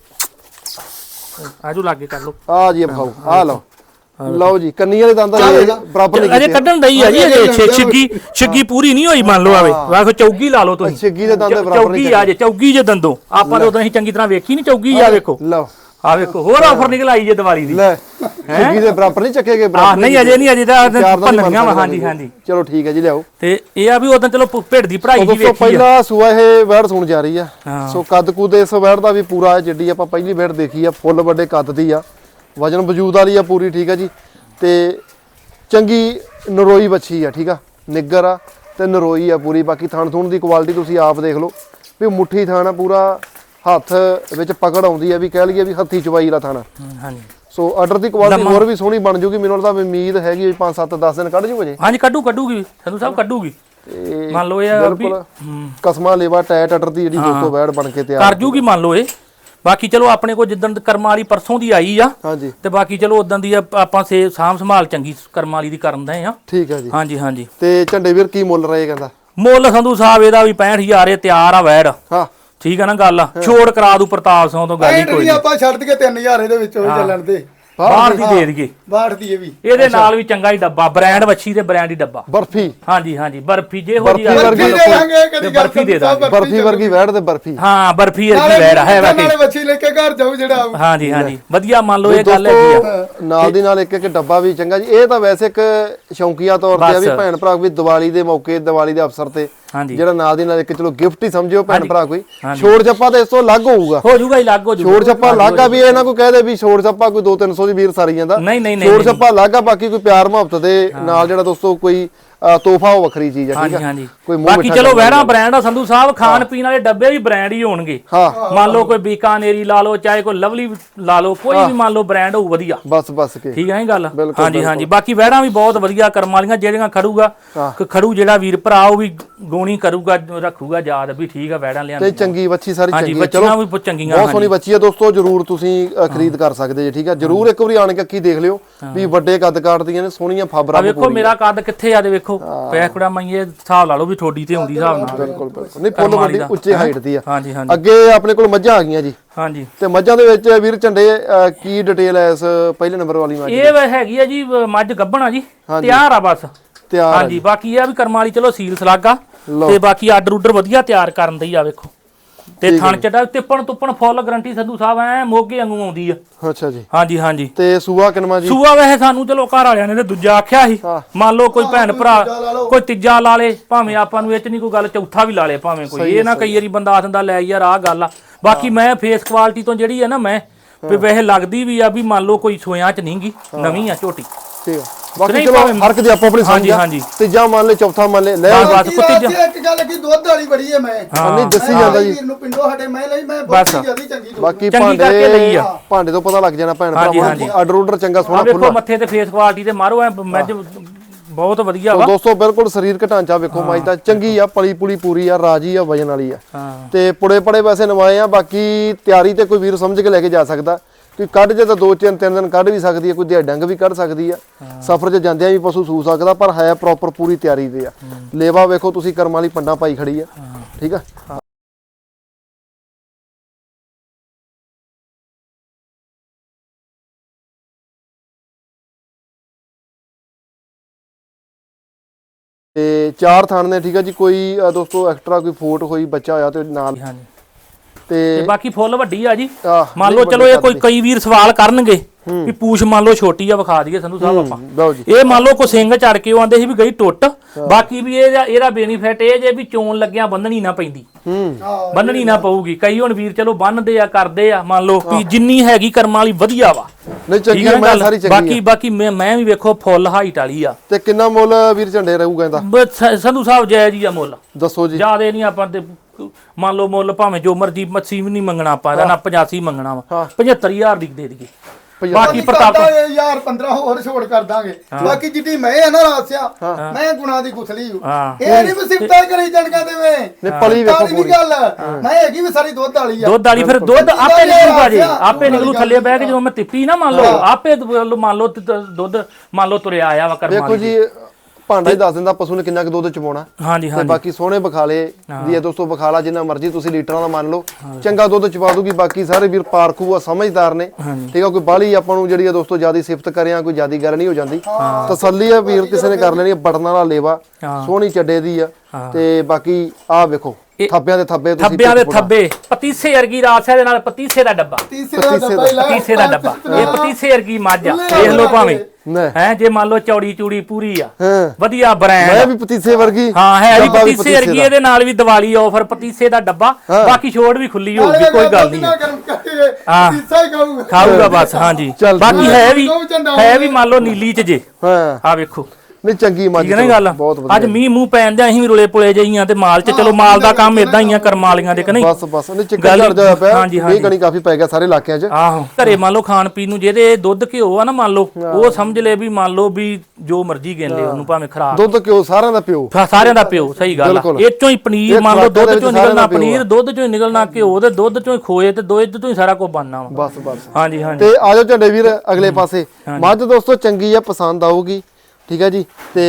Speaker 2: ਆਜੂ ਲਾਗੇ ਕਰ ਲਓ
Speaker 1: ਆ ਜੀ ਵਿਖਾਓ ਆ ਲਓ ਲਓ ਜੀ ਕੰਨੀ ਵਾਲੇ ਦੰਦ ਬਰਾਬਰ ਨਹੀਂ
Speaker 2: ਅਜੇ ਕੱਢਣ ਦਈ ਆ ਜੀ ਅਜੇ ਛਿੱਗੀ ਛਿੱਗੀ ਪੂਰੀ ਨਹੀਂ ਹੋਈ ਮੰਨ ਲਓ ਆਵੇ ਵੇਖੋ ਚੌਗੀ ਲਾ ਲਓ ਤੁਸੀਂ
Speaker 1: ਛਿੱਗੀ ਦੇ ਦੰਦ ਬਰਾਬਰ ਨਹੀਂ
Speaker 2: ਚੌਗੀ ਆ ਜੇ ਚੌਗੀ ਜੇ ਦੰਦੋਂ ਆਪਾਂ ਤਾਂ ਉਦੋਂ ਹੀ ਚੰਗੀ ਤਰ੍ਹਾਂ ਵੇਖੀ ਨਹੀਂ ਚੌਗੀ ਆ ਵੇਖੋ
Speaker 1: ਲਓ
Speaker 2: ਆ ਵੇਖੋ ਹੋਰ ਆਫਰ ਨਿਕਲ ਆਈ ਜੇ ਦੀਵਾਲੀ ਦੀ
Speaker 1: ਲੈ ਛਿੱਗੀ ਦੇ ਬਰਾਬਰ ਨਹੀਂ ਚੱਕੇ ਗਏ
Speaker 2: ਆ ਨਹੀਂ ਅਜੇ ਨਹੀਂ ਅਜੇ ਤਾਂ ਭੰਨਣੀਆਂ ਵਾ ਹਾਂਜੀ ਹਾਂਜੀ
Speaker 1: ਚਲੋ ਠੀਕ ਹੈ ਜੀ ਲਿਆਓ
Speaker 2: ਤੇ ਇਹ ਆ ਵੀ ਉਦੋਂ ਚਲੋ ਭੇਡ ਦੀ ਪੜ੍ਹਾਈ ਜੀ
Speaker 1: ਦੋਸਤੋ
Speaker 2: ਵੇਖੀ ਆ
Speaker 1: ਪਹਿਲਾ ਸੂਆ ਇਹ ਵੈੜ ਸੁਣ ਜਾ ਰਹੀ ਆ
Speaker 2: ਹਾਂ।
Speaker 1: ਸੋ ਕੱਦ ਕੁਦ ਇਸ ਵੈੜ ਦਾ ਵੀ ਪੂਰਾ ਜਿੱਡੀ ਆਪਾਂ ਪਹਿਲੀ ਵੈੜ ਦੇਖੀ ਆ ਫੁੱਲ ਵੱਡੇ ਕੱਦ ਦੀ ਆ ਵਜਨ ਵਜੂਦ ਵਾਲੀ ਆ ਪੂਰੀ ਠੀਕ ਆ ਜੀ ਤੇ ਚੰਗੀ ਨਰੋਈ ਬੱਚੀ ਆ ਠੀਕ ਆ ਨਿੱਗਰ ਆ ਤੇ ਨਰੋਈ ਆ ਪੂਰੀ ਬਾਕੀ ਥਣ ਥੁਣ ਦੀ ਕੁਆਲਿਟੀ ਤੁਸੀਂ ਆਪ ਦੇਖ ਲਓ ਵੀ ਮੁੱਠੀ ਥਣ ਆ ਪੂਰਾ ਹੱਥ ਵਿੱਚ ਪਕੜ ਆਉਂਦੀ ਆ ਵੀ ਕਹਿ ਲਈਏ ਵੀ ਹੱਥੀ ਚਵਾਈ ਦਾ ਥਣ
Speaker 2: ਹਾਂਜੀ
Speaker 1: ਸੋ ਆਰਡਰ ਦੀ ਕੁਆਲਿਟੀ ਹੋਰ ਵੀ ਸੋਹਣੀ ਬਣ ਜੂਗੀ ਮੈਨੂੰ ਲੱਗਦਾ ਉਮੀਦ ਹੈਗੀ ਵੀ ਪੰਜ ਸੱਤ ਦਸ ਦਿਨ ਕੱਢ ਜੂ ਅਜੇ
Speaker 2: ਹਾਂਜੀ ਕੱਢੂ ਕੱਢੂਗੀ ਸੰਧੂ ਸਾਹਿਬ ਕੱਢੂਗੀ
Speaker 1: ਤੇ
Speaker 2: ਮੰਨ ਲਓ ਇਹ ਆ ਵੀ
Speaker 1: ਬਿਲਕੁਲ ਕਸਮਾ ਲੇਵਾ ਟੈਟ ਆਰਡਰ ਦੀ ਜਿਹੜੀ ਦੋਸਤੋ ਵੈੜ ਬਣ ਕੇ ਤਿਆਰ
Speaker 2: ਕਰ ਜੂਗੀ ਮੰਨ ਲਓ ਇਹ ਬਾਕੀ ਚਲੋ ਆਪਣੇ ਕੋਲ ਜਿੱਦਣ ਕਰਮਾਂ ਵਾਲੀ ਪਰਸੋਂ ਦੀ ਆਈ ਆ
Speaker 1: ਹਾਂਜੀ
Speaker 2: ਤੇ ਬਾਕੀ ਚਲੋ ਉਦੋਂ ਦੀ ਆ- ਆਪਾਂ ਸੇ ਸਾਂਭ ਸੰਭਾਲ ਚੰਗੀ ਕਰਮਾਂ ਵਾਲੀ ਦੀ ਕਰਨ ਦੇ ਆ
Speaker 1: ਠੀਕ ਹੈ ਜੀ
Speaker 2: ਹਾਂਜੀ ਹਾਂਜੀ
Speaker 1: ਤੇ ਝੰਡੇ ਵੀਰ ਕੀ ਮੁੱਲ ਰਹੇ ਕਹਿੰਦਾ
Speaker 2: ਮੁੱਲ ਸੰਧੂ ਸਾਹਿਬ ਇਹਦਾ ਵੀ ਪੈਂਹਠ ਹਜ਼ਾਰ ਇਹ ਤਿਆਰ ਆ ਵੈੜ
Speaker 1: ਹਾਂ
Speaker 2: ਠੀਕ ਆ ਨਾ ਗੱਲ ਛੋੜ ਕਰਾ ਦੂ ਪ੍ਰਤਾਪ ਸਿੰਘ ਤੋਂ ਗੱਲ ਹੀ ਕੋਈ
Speaker 3: ਨਹੀਂ
Speaker 2: ਨਹੀਂ
Speaker 3: ਆਪਾਂ ਛੱਡ ਕੇ ਤਿੰਨ ਹਜ਼ਾਰ ਇਹਦੇ ਵਿੱਚ ਉਹ ਚੱਲਣ ਦੇ
Speaker 2: ਬਾਹਰ ਦੀ ਦੇ ਦਈਏ
Speaker 3: ਬਾਹਰ ਦੀ ਇਹ ਵੀ
Speaker 2: ਇਹਦੇ ਨਾਲ ਵੀ ਚੰਗਾ ਹੀ ਡੱਬਾ ਬ੍ਰਾਂਡ ਵੱਛੀ ਤੇ ਬ੍ਰਾਂਡ ਹੀ ਡੱਬਾ
Speaker 1: ਬਰਫੀ
Speaker 2: ਹਾਂਜੀ ਹਾਂਜੀ ਬਰਫੀ ਜੇ ਹੋ ਜੀ
Speaker 1: ਬਰਫੀ ਵਰਗੀ
Speaker 2: ਗੱਲ
Speaker 3: ਦੇਵਾਂਗੇ
Speaker 2: ਤੇ
Speaker 3: ਕਦੀ
Speaker 2: ਬਰਫੀ ਦੇ ਦਾਂਗੇ
Speaker 1: ਬਰਫੀ ਵਰਗੀ ਵੈੜ ਤੇ ਬਰਫੀ
Speaker 2: ਹਾਂ ਬਰਫੀ ਵਰਗੀ ਵੈੜ ਹੈ ਵਾਕਈ
Speaker 3: ਨਾਲੇ ਬੱਚੀ ਲੈ ਕੇ ਘਰ ਜਾਊ ਜਿਹੜਾ ਆਊ।
Speaker 2: ਹਾਂਜੀ ਹਾਂਜੀ ਵਧੀਆ ਮੰਨ ਲਓ ਇਹ ਗੱਲ ਹੈਗੀ ਆ
Speaker 1: ਦੋਸਤੋ ਨਾਲ ਦੀ ਨਾਲ ਇੱਕ ਇੱਕ ਡੱਬਾ ਵੀ ਚੰਗਾ ਜੀ ਇਹ ਤਾਂ ਵੈਸੇ ਇੱਕ ਸ਼ੌਂਕੀਆ ਤੌਰ ਤੇ ਆ ਵੀ
Speaker 2: ਬਸ।
Speaker 1: ਭੈਣ ਭਰਾ ਵੀ ਦੀਵਾਲੀ ਦੇ ਮੌਕੇ ਦੀਵਾਲੀ ਦੇ ਅਵਸਰ ਤੇ
Speaker 2: ਹਾਂਜੀ
Speaker 1: ਜਿਹੜਾ ਨਾਲ ਦੀ ਨਾਲ ਇੱਕ ਚਲੋ ਗਿਫਟ ਹੀ ਸਮਝਿਓ ਭੈਣ ਭਰਾ ਕੋਈ
Speaker 2: ਹਾਂਜੀ।
Speaker 1: ਛੋੜ ਛੱਪਾ ਤੇ ਇਸ ਤੋਂ ਅਲੱਗ ਹੋਊਗਾ
Speaker 2: ਹੋ ਜੂਗਾ ਹੀ ਲੱਗ ਹੋ ਜੂਗਾ
Speaker 1: ਛੋੜ ਛੱਪਾ ਅਲੱਗ ਆ ਵੀ ਇਹ ਨਾ ਕੋਈ ਕਹਿ ਦੇ ਵੀ ਛੋੜ ਛੱਪਾ ਕੋਈ ਦੋ ਤਿੰਨ ਸੌ ਦੀ ਵੀਰ ਸਾਰੀ ਜਾਂਦਾ
Speaker 2: ਨਹੀਂ ਨਹੀਂ ਨਹੀਂ
Speaker 1: ਛੋੜ ਛੱਪਾ ਅਲੱਗ ਆ ਬਾਕੀ ਕੋਈ ਪਿਆਰ ਮੁਹੱਬਤ ਦੇ ਨਾਲ ਜਿਹੜਾ ਦੋਸਤੋ ਕੋਈ ਅ, ਤੋਹਫਾ ਉਹ ਵੱਖਰੀ ਚੀਜ਼ ਆ ਠੀਕ
Speaker 2: ਹਾਂਜੀ
Speaker 1: ਆ
Speaker 2: ਹਾਂਜੀ
Speaker 1: ਕੋਈ ਮੂੰਹ
Speaker 2: ਬਾਕੀ
Speaker 1: ਮਿੱਠਾ
Speaker 2: ਚਲੋ
Speaker 1: ਕਰਨ ਵਾਲੀ
Speaker 2: ਵਹਿਣਾ ਬ੍ਰਾਂਡ ਆ ਸੰਧੂ ਸਾਹਿਬ ਖਾਣ ਪੀਣ ਵਾਲੇ ਡੱਬੇ ਵੀ ਬ੍ਰਾਂਡ ਹੀ ਹੋਣਗੇ
Speaker 1: ਹਾਂ
Speaker 2: ਮੰਨ ਲਓ ਕੋਈ ਬੀਕਾਨੇਰੀ ਲਾ ਲਓ ਚਾਹੇ ਕੋਈ ਲਵਲੀ ਲਾ ਲਓ ਕੋਈ ਵੀ ਮੰਨ ਲਓ ਬ੍ਰਾਂਡ ਹੋਊ ਵਧੀਆ
Speaker 1: ਬਸ ਬਸ ਕੇ
Speaker 2: ਠੀਕ ਹੈ ਇਹ ਗੱਲ
Speaker 1: ਬਿਲਕੁਲ,
Speaker 2: ਹਾਂਜੀ ਹਾਂਜੀ ਬਾਕੀ ਵਹਿਣਾ ਵੀ ਬਹੁਤ ਵਧੀਆ ਕਰਮ ਵਾਲੀਆਂ ਜਿਹੜੀਆਂ ਖੜੂਗਾ
Speaker 1: ਹਾਂ।
Speaker 2: ਕ- ਖੜੂ ਜਿਹੜਾ ਵੀਰ ਭਰਾ ਉਹ ਵੀ ਗੋਣੀ ਕਰੂਗਾ ਰੱਖੂਗਾ ਯਾਦ ਵੀ ਠੀਕ ਆ ਵਹਿਣਾ ਲਿਆਂਦੀ
Speaker 1: ਤੇ ਚੰਗੀ ਬੱਚੀ ਸਾਰੀ
Speaker 2: ਹਾਂਜੀ
Speaker 1: ਚੰਗੀ ਹੈ
Speaker 2: ਬੱਚੀਆਂ ਵੀ ਬਹੁਤ ਚੰਗੀਆਂ
Speaker 1: ਬਹੁਤ ਸੋਹਣੀ ਬੱਚੀ ਹੈ ਦੋਸਤੋ ਜਰੂਰ ਤੁਸੀਂ ਅ, ਖਰੀਦ ਕਰ ਸਕਦੇ ਜੇ ਠੀਕ ਹੈ ਜਰੂਰ ਇੱਕ ਵਾਰੀ ਆਣ ਕੇ ਅੱਖੀ ਦੇਖ ਲਿਓ ਵੀ ਵੱਡੇ ਕੱਦ ਕਾਟਦੀਆਂ ਨੇ ਸੋਹਣੀਆਂ
Speaker 2: ਆ
Speaker 1: ਫਾਬਰਾਂ
Speaker 2: ਵੇਖੋ ਮੇਰਾ ਕੱਦ ਕਿੱਥੇ ਆ ਦੇ ਵੇਖੋ ਪੈਕੜਾ ਮਈਏ ਹਿਸਾਬ ਲਾ ਲਓ ਵੀ ਠੋਡੀ ਤੇ ਹੁੰਦੀ ਹਿਸਾਬ ਨਾਲ
Speaker 1: ਬਿਲਕੁਲ ਬਿਲਕੁਲ ਨਹੀਂ ਫੁੱਲ ਵੱਡੀ ਉੱਚੇ ਹਾਈਟ ਦੀ ਆ
Speaker 2: ਹਾਂਜੀ ਹਾਂਜੀ
Speaker 1: ਅੱਗੇ ਆਪਣੇ ਕੋਲ ਮੱਝਾਂ ਆ ਗਈਆਂ ਜੀ
Speaker 2: ਹਾਂਜੀ
Speaker 1: ਤੇ ਮੱਝਾਂ ਦੇ ਵਿੱਚ ਵੀਰ ਝੰਡੇ ਅ, ਕੀ ਡਿਟੇਲ ਹੈ ਇਸ ਪਹਿਲੇ ਨੰਬਰ ਵਾਲੀ ਮੱਝ
Speaker 2: ਇਹ ਵਾ ਹੈਗੀ ਆ ਜੀ ਅ, ਮੱਝ ਗੱਭਣ ਆ ਜੀ ਤਿਆਰ ਆ ਬਸ
Speaker 1: ਤਿਆਰ
Speaker 2: ਹਾਂਜੀ ਬਾਕੀ ਇਹ ਆ ਵੀ ਕਰਮ ਵਾਲੀ ਚਲੋ ਸੀਲ ਸਲਾਗਾ ਤੇ ਬਾਕੀ ਆਰਡਰ ਉਡਰ ਵਧੀਆ ਤਿਆਰ ਕਰਨ ਦੀ ਆ ਵੇਖੋ ਤੇ ਥਣ ਚੱਡਾ ਤਿੱਪਣ ਤੁੱਪਣ ਫੁੱਲ ਗਰੰਟੀ ਸੰਧੂ ਸਾਹਿਬ ਐ ਮੋਗੇ ਵਾਂਗੂ ਆਉਂਦੀ ਆ
Speaker 1: ਅੱਛਾ ਜੀ
Speaker 2: ਹਾਂਜੀ ਹਾਂਜੀ
Speaker 1: ਤੇ ਸੂਆ ਕਿਨਮਾ ਜੀ
Speaker 2: ਸੂਆ ਵੈਸੇ ਸਾਨੂੰ ਚਲੋ ਘਰ ਵਾਲਿਆਂ ਨੇ ਤੇ ਦੂਜਾ ਆਖਿਆ ਸੀ ਮੰਨ ਲਓ ਕੋਈ ਭੈਣ ਭਰਾ ਕੋਈ ਤੀਜਾ ਲਾ ਲੇ ਭਾਵੇਂ ਆਪਾਂ ਨੂੰ ਇਹ ਚ ਨਹੀਂ ਕੋਈ ਗੱਲ ਚੌਥਾ ਵੀ ਲਾ ਲੇ ਭਾਵੇਂ ਕੋਈ ਇਹ ਨਾ ਕਈ ਵਾਰੀ ਬੰਦਾ ਆਖ ਦਿੰਦਾ ਲੈ ਯਾਰ ਆਹ ਗੱਲ ਆ ਬਾਕੀ ਮੈਂ ਫੇਸ ਕੁਆਲਿਟੀ ਤੋਂ ਜਿਹੜੀ ਆ ਨਾ ਮੈਂ ਵੀ ਵੈਸੇ ਲੱਗਦੀ ਵੀ ਆ ਵੀ ਮੰਨ ਲਓ ਕੋਈ ਸੋਇਆਂ ਚ ਨਹੀਂਗੀ ਨਵੀਂ ਆ ਝੋਟੀ
Speaker 1: ਠੀਕ ਆ ਬਾਕੀ ਚਲੋ ਹਰ ਇੱਕ ਦੀ ਆਪੋ ਆਪਣੀ ਸਮਝ ਆ
Speaker 2: ਹਾਂਜੀ
Speaker 1: ਤੀਜਾ ਮੰਨ ਲੈ ਚੌਥਾ ਮੰਨ ਲੈ ਲੈ
Speaker 2: ਬਸ ਕੁੱਤੀ
Speaker 3: ਅੱਜ ਇੱਕ ਗੱਲ ਕੀ ਦੁੱਧ ਵਾਲੀ ਬੜੀ ਹੈ ਮੈਂ
Speaker 1: ਨਹੀਂ ਦੱਸੀ ਜਾਂਦਾ ਜੀ
Speaker 3: ਵੀਰ ਨੂੰ ਪਿੰਡੋਂ ਸਾਡੇ ਮੈਂ ਲਈ ਮੈਂ ਬਹੁਤ ਜਿਆਦਾ ਚੰਗੀ ਦੁੱਧ
Speaker 1: ਬਾਕੀ
Speaker 2: ਚੰਗੀ ਕਰਕੇ ਲਈ ਆ।
Speaker 1: ਭਾਂਡੇ ਭਾਂਡੇ ਤੋਂ ਪਤਾ ਲੱਗ ਜਾਣਾ ਭੈਣ
Speaker 2: ਹਾਂਜੀ,
Speaker 1: ਭਰਾਵਾਂ
Speaker 2: ਹਾਂਜੀ।
Speaker 1: ਨੂੰ ਆਰਡਰ ਆਰਡਰ ਚੰਗਾ
Speaker 2: ਆ
Speaker 1: ਸੋਹਣਾ
Speaker 2: ਵੇਖੋ
Speaker 1: ਖੁੱਲਾ
Speaker 2: ਮੱਥੇ ਤੇ ਫੇਸ ਕੁਆਲਿਟੀ ਤੇ ਮਾਰੋ ਐ ਮੈਂ ਬਹੁਤ ਵਧੀਆ
Speaker 1: ਸੋ
Speaker 2: ਵਾ
Speaker 1: ਦੋਸਤੋ ਬਿਲਕੁਲ ਸਰੀਰਕ ਢਾਂਚਾ ਵੇਖੋ ਮੱਝ ਦਾ ਚੰਗੀ ਆ, ਪਲੀ ਪੁਲੀ ਪੂਰੀ ਆ, ਰਾਜੀ ਆ, ਵਜਨ ਵਾਲੀ ਆ
Speaker 2: ਹਾਂ
Speaker 1: ਤੇ ਪੁੜੇ ਪੜੇ ਵੈਸੇ ਨਵਾਏ ਆ। ਬਾਕੀ ਤਿਆਰੀ ਤੇ ਕੋਈ ਵੀਰ ਸਮਝ ਕੇ ਲੈ ਕੇ ਜਾ ਸਕਦਾ, ਕੋਈ ਕੱਢ ਜੇ ਤਾਂ ਦੋ ਤਿੰਨ ਤਿੰਨ ਦਿਨ ਕੱਢ ਵੀ ਸਕਦੀ ਹੈ, ਕੋਈ ਦਿਹਾੜੀ ਡੰਗ ਵੀ ਕੱਢ ਸਕਦੀ ਆ। ਸਫ਼ਰ 'ਚ ਜਾਂਦਿਆਂ ਵੀ ਪਸ਼ੂ ਸੂ ਸਕਦਾ, ਪਰ ਹੈ ਪ੍ਰੋਪਰ ਪੂਰੀ ਤਿਆਰੀ ਤੇ ਆ। ਲੇਵਾ ਵੇਖੋ ਤੁਸੀਂ ਕਰਮਾਂ ਵਾਲੀ ਪੰਡਾ ਪਾਈ ਖੜੀ ਆ, ਠੀਕ ਆ। ਤੇ ਚਾਰ ਥਾਣ ਨੇ, ਠੀਕ ਆ ਜੀ। ਕੋਈ ਅ, ਦੋਸਤੋ ਐਕਸਟਰਾ ਕੋਈ ਫੋਟ ਹੋਈ ਬੱਚਾ ਹੋਇਆ ਤੇ ਨਾਲ
Speaker 2: ਹਾਂਜੀ
Speaker 1: ਤੇ
Speaker 2: ਤੇ ਬਾਕੀ ਫੁੱਲ ਵੱਡੀ ਆ ਜੀ।
Speaker 1: ਆਹ,
Speaker 2: ਮੰਨ ਲਓ ਚਲੋ ਇਹ ਕੋਈ ਕਈ ਵੀਰ ਸਵਾਲ ਕਰਨਗੇ ਵੀ ਪੂਛ ਮੰਨ ਲਓ ਛੋਟੀ ਆ, ਵਿਖਾ ਦਈਏ ਸੰਧੂ ਸਾਹਿਬ ਆਪਾਂ।
Speaker 1: ਲਓ ਜੀ
Speaker 2: ਇਹ ਮੰਨ ਲਓ ਕੋ ਸਿੰਘ ਚੜ ਕੇ ਉਹ ਆਂਦੇ ਸੀ ਵੀ ਗਈ ਟੁੱਟ। ਬਾਕੀ ਵੀ ਇਹਦਾ ਇਹਦਾ ਬੈਨੀਫਿਟ ਇਹ ਜੇ ਵੀ ਚੋਣ ਲੱਗਿਆ ਬੰਨਣੀ ਨਾ ਪੈਂਦੀ,
Speaker 1: ਹੂੰ
Speaker 2: ਬੰਨਣੀ ਨਾ ਪਊਗੀ। ਕਈ ਹੁਣ ਵੀਰ ਚਲੋ ਬੰਨਦੇ ਆ ਕਰਦੇ ਆ, ਮੰਨ ਲਓ ਵੀ ਜਿੰਨੀ ਹੈਗੀ ਕਰਮਾਂ ਵਾਲੀ ਵਧੀਆ ਵਾ।
Speaker 1: ਨਹੀਂ ਚੰਗੀ
Speaker 2: ਠੀਕ ਹੈ ਨਾ
Speaker 1: ਮੈਂ
Speaker 2: ਗੱਲ?
Speaker 1: ਸਾਰੀ ਚੰਗੀ
Speaker 2: ਬਾਕੀ ਬਾਕੀ ਮੈਂ ਮੈਂ ਵੀ ਵੇਖੋ ਫੁੱਲ ਹਾਈਟ ਵਾਲੀ ਆ।
Speaker 1: ਤੇ ਕਿੰਨਾ ਮੁੱਲ ਵੀਰ ਝੰਡੇ ਰਹੂਗਾ ਇਹਦਾ,
Speaker 2: ਬਸ ਸ- ਸੰਧੂ ਸਾਹਿਬ ਜਾਇਜ਼ ਹੀ ਆ ਮੁੱਲ,
Speaker 1: ਦੱਸੋ ਜੀ।
Speaker 2: ਜਿਆਦੇ ਨਹੀਂ ਆਪਾਂ ਤੇ ਮੰਨ ਲਓ ਮੁੱਲ ਭਾਵੇਂ ਜੋ ਮਰਜੀ ਮੱਛੀ ਵੀ ਨਹੀਂ ਮੰਗਣਾ ਆਪਾਂ ਇਹਦਾ, ਨਾ ਪਚਾਸੀ ਮੰਗਣਾ ਵਾ, ਪਝੱਤਰ ਹਜ਼ਾਰ ਦੀ ਦੇ ਦਈਏ। ਬਾਕੀ ਪ੍ਰਤਾਪ
Speaker 3: ਯਾਰ ਪੰਦਰਾਂ ਹੋਰ ਛੋੜ ਕਰ ਦਾਂਗੇ। ਬਾਕੀ ਜਿੱਡੀ ਮੈਂ ਆ ਨਾ ਰਾਸਿਆ, ਮੈਂ ਗੁਣਾ ਦੀ ਗੁਥਲੀ ਹੂੰ।
Speaker 2: ਹਾਂ
Speaker 3: ਇਹ ਨਹੀਂ ਵੀ ਸਿਫਤਾਂ ਕਰੀ ਜਣਕਾਂ ਦੇਵੇਂ
Speaker 1: ਨੇ ਪਲੀ ਵੇਖੋ
Speaker 3: ਨਹੀਂ
Speaker 1: ਪੂਰੀ
Speaker 3: ਗੱਲ, ਮੈਂ ਹੈਗੀ ਵੀ ਸਾਰੀ ਦੁੱਧ ਵਾਲੀ ਆ।
Speaker 2: ਦੁੱਧ ਵਾਲੀ ਫਿਰ ਦੁੱਧ ਆਪੇ ਨਿਕਲੂਗਾ ਜੀ, ਆਪੇ ਨਿਕਲੂ। ਥੱਲੇ ਬਹਿ ਕੇ ਜਦੋਂ ਮੈਂ ਤਿੱਪੀ ਨਾ ਮੰਨ ਲਓ ਆਪੇ ਦ- ਮੰਨ ਲਓ ਤ- ਤ- ਦੁੱਧ ਮੰਨ ਲਓ ਤੁਰਿਆ ਆਇਆ ਵਾ ਕਰਮਾਂ
Speaker 1: ਵੇਖੋ ਜੀ ਭਾਂਡਾ ਹੀ ਦੱਸ ਦਿੰਦਾ ਪਸ਼ੂ ਨੇ ਕਿੰਨਾ ਕੁ ਦੁੱਧ ਚਵਾਉਣਾ।
Speaker 2: ਹਾਂਜੀ
Speaker 1: ਤੇ
Speaker 2: ਹਾਂਜੀ
Speaker 1: ਬਾਕੀ ਸੋਹਣੇ ਬਖਾਲੇ ਦੀ ਹੈ ਦੋਸਤੋ, ਬਖਾਲਾ ਜਿੰਨਾ ਮਰਜ਼ੀ ਤੁਸੀਂ ਲੀਟਰਾਂ ਦਾ ਮੰਨ ਲਓ, ਚੰਗਾ ਦੁੱਧ ਚਵਾ ਦੂਗੀ। ਬਾਕੀ ਸਾਰੇ ਵੀਰ ਪਾਰਖੂ ਆ, ਸਮਝਦਾਰ ਨੇ, ਠੀਕ ਆ। ਕੋਈ ਬਾਹਲੀ ਆਪਾਂ ਨੂੰ ਜਿਹੜੀ ਆ ਦੋਸਤੋ ਜਿਆਦੀ ਸਿਫਤ ਕਰਿਆ ਕੋਈ ਜਿਆਦੀ ਗੱਲ ਨਹੀਂ ਹੋ ਜਾਂਦੀ, ਤਸੱਲੀ ਆ ਵੀਰ ਕਿਸੇ ਨੇ ਕਰ ਲੈਣੀ। ਬਟਨ ਵਾਲਾ ਲੇਵਾ ਸੋਹਣੀ ਚੱਡੇ ਦੀ ਆ। ਤੇ ਬਾਕੀ ਆਹ ਵੇਖੋ ਥੱਬਿਆਂ ਦੇ ਥੱਬੇ, ਤੁਸੀਂ
Speaker 2: ਥੱਬਿਆਂ ਦੇ ਥੱਬੇ ਪਤੀਸੇ ਵਰਗੀ ਰਾਸਿਆ ਦੇ ਨਾਲ ਪਤੀਸੇ ਦਾ ਡੱਬਾ,
Speaker 3: ਤੀਸਰੇ ਦਾ ਡੱਬਾ ਹੀ ਲੈ
Speaker 2: ਪਤੀਸੇ ਦਾ ਡੱਬਾ। ਇਹ ਪਤੀਸੇ ਵਰਗੀ ਮੱਝ ਆ, ਦੇਖ ਲਓ ਭਾਵੇਂ
Speaker 1: ਨਾ
Speaker 2: ਹੈ। ਜੇ ਮੰਨ ਲਓ ਚੌੜੀ ਚੂੜੀ ਪੂਰੀ ਆ,
Speaker 1: ਹਾਂ
Speaker 2: ਵਧੀਆ ਬ੍ਰਾਂਡ
Speaker 1: ਮੈਂ ਵੀ ਪਤੀਸੇ ਵਰਗੀ,
Speaker 2: ਹਾਂ ਹੈ ਵੀ
Speaker 1: ਡੱਬਾ ਵੀ
Speaker 2: ਪਤੀਸੇ ਵਰਗੀ। ਇਹਦੇ ਨਾਲ ਵੀ ਦੀਵਾਲੀ ਆਫਰ ਪਤੀਸੇ ਦਾ ਡੱਬਾ। ਬਾਕੀ ਛੋੜ ਵੀ ਖੁੱਲੀ ਹੋਊਗੀ, ਕੋਈ ਗੱਲ ਨਹੀਂ ਹੈ। ਹਾਂ।
Speaker 3: ਤੀਸਾ ਹੀ ਖਾਊਗਾ
Speaker 2: ਖਾਊਗਾ ਬਸ। ਹਾਂਜੀ
Speaker 1: ਚੱਲ
Speaker 2: ਬਾਕੀ ਹੈ ਵੀ ਹੈ ਵੀ ਮੰਨ ਲਓ ਨੀਲੀ ਚ ਜੇ।
Speaker 1: ਹਾਂ
Speaker 2: ਆ ਵੇਖੋ
Speaker 1: ਨਹੀਂ ਚੰਗੀ ਮੱਝ
Speaker 2: ਠੀਕ ਹੈ ਨਾ ਗੱਲ।
Speaker 1: ਬਹੁਤ ਵਧੀਆ।
Speaker 2: ਅੱਜ ਮੀਂਹ ਮੂੰਹ ਪੈਣ ਦੇ ਅਸੀਂ ਵੀ ਰੁਲੇ ਪੁਲੇ ਜਈਆਂ ਤੇ ਮਾਲ ਚ ਚਲੋ ਮਾਲ ਦਾ ਕੰਮ ਇਦਾਂ ਹੀ ਆ ਕਰਮਾਂ ਵਾਲੀਆਂ ਦੇ ਕਿ ਨਹੀਂ।
Speaker 1: ਬਸ ਬਸ ਉਹਨੇ ਚਿੱਕਾ ਝੜ ਜਾਇਆ ਪਿਆ।
Speaker 2: ਹਾਂਜੀ,
Speaker 1: ਇਹ
Speaker 2: ਹਾਂਜੀ।
Speaker 1: ਕਣੀ ਕਾਫੀ ਪੈ ਗਿਆ ਸਾਰੇ ਇਲਾਕਿਆਂ 'ਚ।
Speaker 2: ਆਹੋ ਘਰੇ ਮੰਨ ਲਓ ਖਾਣ ਪੀਣ ਨੂੰ ਜਿਹਦੇ ਦੁੱਧ ਘਿਓ ਆ ਨਾ ਮੰਨ ਲਓ, ਉਹ ਸਮਝ ਲੈ ਵੀ ਮੰਨ ਲਓ ਵੀ ਜੋ ਮਰਜ਼ੀ ਗਿਣ ਲਿਓ ਉਹਨੂੰ, ਭਾਵੇਂ ਖਰਾਬ
Speaker 1: ਦੁੱਧ ਕਿਉਂ ਸਾਰਿਆਂ ਦਾ ਪਿਓ,
Speaker 2: ਸਾਰਿਆਂ ਦਾ ਪਿਓ। ਸਹੀ ਗੱਲ ਆ। ਇਹ ਚੋਂ ਹੀ ਪਨੀਰ ਮੰਨ ਲਓ, ਦੁੱਧ ਚੋਂ ਨਿਕਲਣਾ ਪਨੀਰ, ਦੁੱਧ ਚੋਂ ਹੀ ਨਿਕਲਣਾ ਘਿਓ, ਤੇ ਦੁੱਧ ਚੋਂ ਹੀ ਖੋਏ, ਤੇ ਦੁੱਧ ਚੋਂ ਹੀ ਸਾਰਾ ਕੁਝ ਬਣਨਾ ਵਾ।
Speaker 1: ਬਸ ਬਸ।
Speaker 2: ਹਾਂਜੀ ਹਾਂਜੀ
Speaker 1: ਤੇ ਆਜੋ ਝੰਡੇ ਵੀਰ ਅਗਲੇ ਪਾਸੇ। ਮੱਝ ਦੋਸਤੋ ਚੰਗੀ ਆ, ਪਸੰਦ ਆਊਗੀ, ਠੀਕ ਹੈ ਜੀ। ਤੇ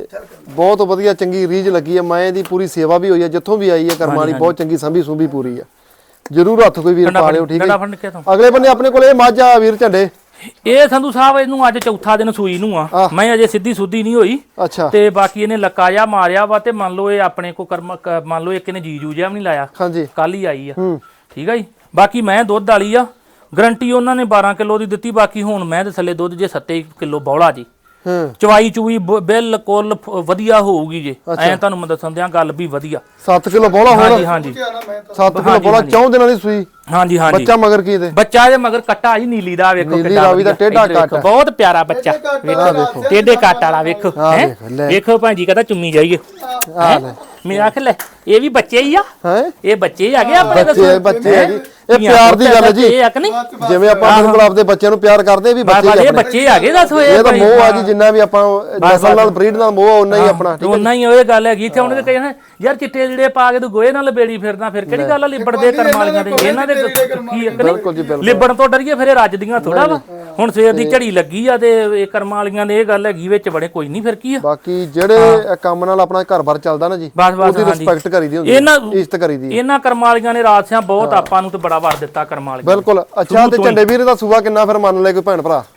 Speaker 1: ਬਹੁਤ ਵਧੀਆ ਚੰਗੀ ਰੀਝ ਲੱਗੀ ਆ। ਮੈਂ ਇਹਦੀ ਪੂਰੀ ਸੇਵਾ ਵੀ ਹੋਈ ਆ, ਜਿੱਥੋਂ ਵੀ ਆਈ ਆ ਕਰਮਾਂ ਵਾਲੀ ਬਹੁਤ ਚੰਗੀ ਸੰਭੀ ਸੁੰਭੀ ਪੂਰੀ ਆ। ਜਰੂਰ ਹੱਥ ਕੋਈ ਵੀਰ ਪਾ ਲਿਓ, ਠੀਕ ਹੈ। ਅਗਲੇ ਬੰਨੇ ਆਪਣੇ ਕੋਲ ਇਹ ਮੱਝ ਆ ਵੀਰ ਝੰਡੇ,
Speaker 2: ਇਹ ਸੰਧੂ ਸਾਹਿਬ ਇਹਨੂੰ ਅੱਜ ਚੌਥਾ ਦਿਨ ਸੂਈ ਨੂੰ ਆ। ਮੈਂ ਅਜੇ ਸਿੱਧੀ ਸੁੱਧੀ ਨਹੀਂ ਹੋਈ।
Speaker 1: ਅੱਛਾ।
Speaker 2: ਤੇ ਬਾਕੀ ਇਹਨੇ ਲੱਕਾ ਜਾ ਮਾਰਿਆ ਵਾ, ਤੇ ਮੰਨ ਲਓ ਇਹ ਆਪਣੇ ਕੋ ਕਰਮ ਕ- ਮੰਨ ਲਓ ਇੱਕ ਇਹਨੇ ਜੀਜੂ ਜਿਹਾ ਵੀ ਨਹੀਂ ਲਾਇਆ,
Speaker 1: ਹਾਂਜੀ
Speaker 2: ਕੱਲ ਹੀ ਆਈ ਆ।
Speaker 1: ਹੂੰ
Speaker 2: ਠੀਕ ਆ ਜੀ। ਬਾਕੀ ਮੈਂ ਦੁੱਧ ਵਾਲੀ ਆ, ਗਰੰਟੀ ਉਹਨਾਂ ਨੇ ਬਾਰਾਂ ਕਿਲੋ ਦੀ ਦਿੱਤੀ। ਬਾਕੀ ਹੁਣ ਮੈਂ ਦੇ ਥੱਲੇ ਦੁੱਧ ਜੇ ਸੱਤ ਕਿਲੋ ਬੌਲਾ ਜੀ।
Speaker 1: ਹੂੰ
Speaker 2: ਚਵਾਈ ਚੂਈ ਬ- ਬਿਲਕੁਲ ਫ- ਵਧੀਆ ਹੋਊਗੀ ਜੇ। ਐ ਤੁਹਾਨੂੰ ਮੈਂ ਦੱਸਣ ਦਿਆਂ ਗੱਲ ਵੀ ਵਧੀਆ।
Speaker 1: ਸੱਤ ਕਿਲੋ ਬੋਲਾ
Speaker 2: ਹਾਂਜੀ
Speaker 1: ਹੋਣਾ,
Speaker 2: ਹਾਂਜੀ
Speaker 1: ਸੱਤ ਕਿਲੋ ਬੋਲਾ ਚੌਂ ਦਿਨਾਂ ਦੀ ਸੂਈ।
Speaker 2: ਹਾਂਜੀ ਹਾਂਜੀ
Speaker 1: ਬੱਚਾ ਮਗਰ ਕੀ ਦੇ?
Speaker 2: ਬੱਚਾ ਦੇ ਮਗਰ ਕੱਟਾ ਜੀ ਨੀਲੀ ਦਾ, ਵੇਖੋ
Speaker 1: ਨੀਲੀ ਰਾਵੀ ਦਾ
Speaker 2: ਵਧੀਆ।
Speaker 1: ਟੇਢਾ
Speaker 2: ਇੱਧਰ ਵੇਖੋ,
Speaker 1: ਕੱਟ।
Speaker 2: ਬਹੁਤ ਪਿਆਰਾ ਬੱਚਾ। ਵੇਖੋ ਟੇਢੇ ਕੱਟ ਵਾਲਾ ਵੇਖੋ।
Speaker 1: ਆਹ
Speaker 2: ਹੈਂ?
Speaker 1: ਵੇਖ ਲੈ।
Speaker 2: ਵੇਖੋ ਭਾਂਜੀ ਕਹਿੰਦਾ ਚੁੰਮੀ ਜਾਈਏ।
Speaker 1: ਆ ਲੈ
Speaker 2: ਮੇਰਾ ਆਖ ਲੈ ਇਹ ਵੀ ਬੱਚੇ ਹੀ ਆ,
Speaker 1: ਹੈ
Speaker 2: ਇਹ ਬੱਚੇ ਹੀ ਆ ਗਏ ਆਪਣੇ
Speaker 1: ਬੱਚੇ ਬੱਚੇ ਹੈ ਜੀ। ਇਹ ਪਿਆਰ ਦੀ ਗੱਲ ਹੈ ਜੀ।
Speaker 2: ਇਹ ਆ ਕਿ ਨਹੀਂ?
Speaker 1: ਜਿਵੇਂ ਆਪਾਂ ਆਪਣੇ ਕੋਲ ਆਪਦੇ ਬੱਚਿਆਂ ਨੂੰ ਪਿਆਰ ਕਰਦੇ ਵੀ ਬੱਚੇ
Speaker 2: ਬਾਬਾ
Speaker 1: ਹੀ
Speaker 2: ਇਹ
Speaker 1: ਆਪਣੇ।
Speaker 2: ਬੱਚੇ ਆ ਗਏ ਦੱਸ ਹੋਏ।
Speaker 1: ਇਹ ਤਾਂ ਮੋਹ ਆ ਜੀ, ਜਿੰਨਾ ਵੀ ਆਪਾਂ ਨਸਲ ਨਾਲ ਬਰੀਡ ਨਾਲ ਮੋਹ ਉਹਨਾਂ ਹੀ ਆਪਣਾ।
Speaker 2: ਉਹਨਾਂ ਹੀ ਉਹ ਗੱਲ ਹੈਗੀ। ਇੱਥੇ ਉਹਨੇ ਕਹਿੰਦੇ ਯਾਰ ਚਿੱਟੇ ਜਿਹੜੇ ਪਾ ਕੇ ਤੂੰ ਗੋਏ ਨਾਲ ਲਬੇੜੀ ਫਿਰਦਾ, ਫਿਰ ਕਿਹੜੀ ਗੱਲ ਆ ਲਿਬੜਦੇ ਕਰਮ ਵਾਲੀਆਂ ਦੇ। ਇਹਨਾਂ ਦੇ ਕੀ
Speaker 1: ਬਿਲਕੁਲ ਜੀ ਬਿਲਕੁਲ।
Speaker 2: ਲਿਬੜਨ ਤੋਂ ਡਰੀਏ ਫਿਰ ਇਹ ਰੱਜਦੀਆਂ ਥੋੜਾ ਵਾ। ਹੁਣ ਸਵੇਰ ਦੀ ਝੜੀ ਲੱਗੀ ਆ ਤੇ ਇਹ ਕਰਮ ਵਾਲੀਆਂ ਦੇ ਇਹ ਗੱਲ ਹੈਗੀ ਵਿੱਚ ਬੜੇ ਕੋਈ ਨਹੀਂ ਫਿਰ ਕੀ ਆ।
Speaker 1: ਬਾਕੀ ਜਿਹੜੇ ਕੰਮ ਨਾਲ ਆਪਣਾ ਘਰ-ਬਾਰ ਚੱਲਦਾ ਨਾ ਜੀ,
Speaker 2: ਬਸ ਬਸ
Speaker 1: ਉਹਦੀ ਰਿਸਪੈਕਟ ਕਰੀਦੀ ਹੁੰਦੀ
Speaker 2: ਇਹਨਾਂ
Speaker 1: ਹੈ, ਇੱਜ਼ਤ ਕਰੀਦੀ ਹੈ।
Speaker 2: ਇਹਨਾਂ ਕਰਮ ਵਾਲੀਆਂ ਨੇ ਰਾਜਸਿਆਂ ਬਹੁਤ ਆਪਾਂ ਨੂੰ ਤੇ ਬੜਾ ਵਰ ਦਿੱਤਾ ਕਰਮ ਵਾਲੀਆਂ।
Speaker 1: ਬਿਲਕੁਲ। ਅੱਛਾ ਤੇ ਝੰਡੇ ਵੀਰ ਦਾ ਸੂਆ ਕਿੰਨਾ ਫਿਰ ਮੰਨ ਲੈ ਕੋਈ ਭੈਣ ਭਰਾ?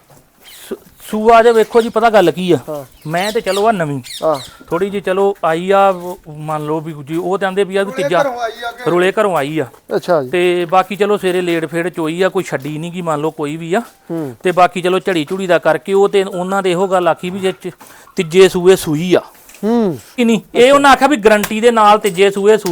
Speaker 2: ਸੂਆ ਜੇ ਵੇਖੋ ਜੀ, ਪਤਾ ਗੱਲ ਕੀ ਆ, ਮੈਂ ਤੇ ਚਲੋ ਆ ਨਵੀਂ
Speaker 1: ਹਾਂ
Speaker 2: ਥੋੜੀ ਜੀ ਚਲੋ ਆਈ ਆ, ਮੰਨ ਲਓ ਵੀ ਜੀ ਉਹ ਕਹਿੰਦੇ ਵੀ ਆ ਵੀ ਤੀਜਾ ਰੁਲੇ ਘਰੋਂ ਆਈ ਆ।
Speaker 1: ਅੱਛਾ ਜੀ।
Speaker 2: ਤੇ ਬਾਕੀ ਚਲੋ ਸਵੇਰੇ ਲੇਟ ਫੇੜ ਚੋਈ ਆ, ਕੋਈ ਛੱਡੀ ਨਹੀਂ ਗੀ ਮੰਨ ਲਓ ਕੋਈ ਵੀ ਆ। ਤੇ ਬਾਕੀ ਚਲੋ ਝੜੀ ਝੁੜੀ ਦਾ ਕਰਕੇ ਉਹ ਤੇ ਉਹਨਾਂ ਦੇ ਇਹੋ ਗੱਲ ਆਖੀ ਵੀ ਜੇ ਚ- ਤੀਜੇ ਸੂਏ ਸੂਈ ਆ।
Speaker 1: ਹੂੰ
Speaker 2: ਕਿ ਨਹੀਂ, ਇਹ ਉਹਨਾਂ ਆਖਿਆ ਵੀ ਗਰੰਟੀ ਦੇ ਨਾਲ ਤੀਜੇ ਸੂਏ ਸੂਈ ਆ।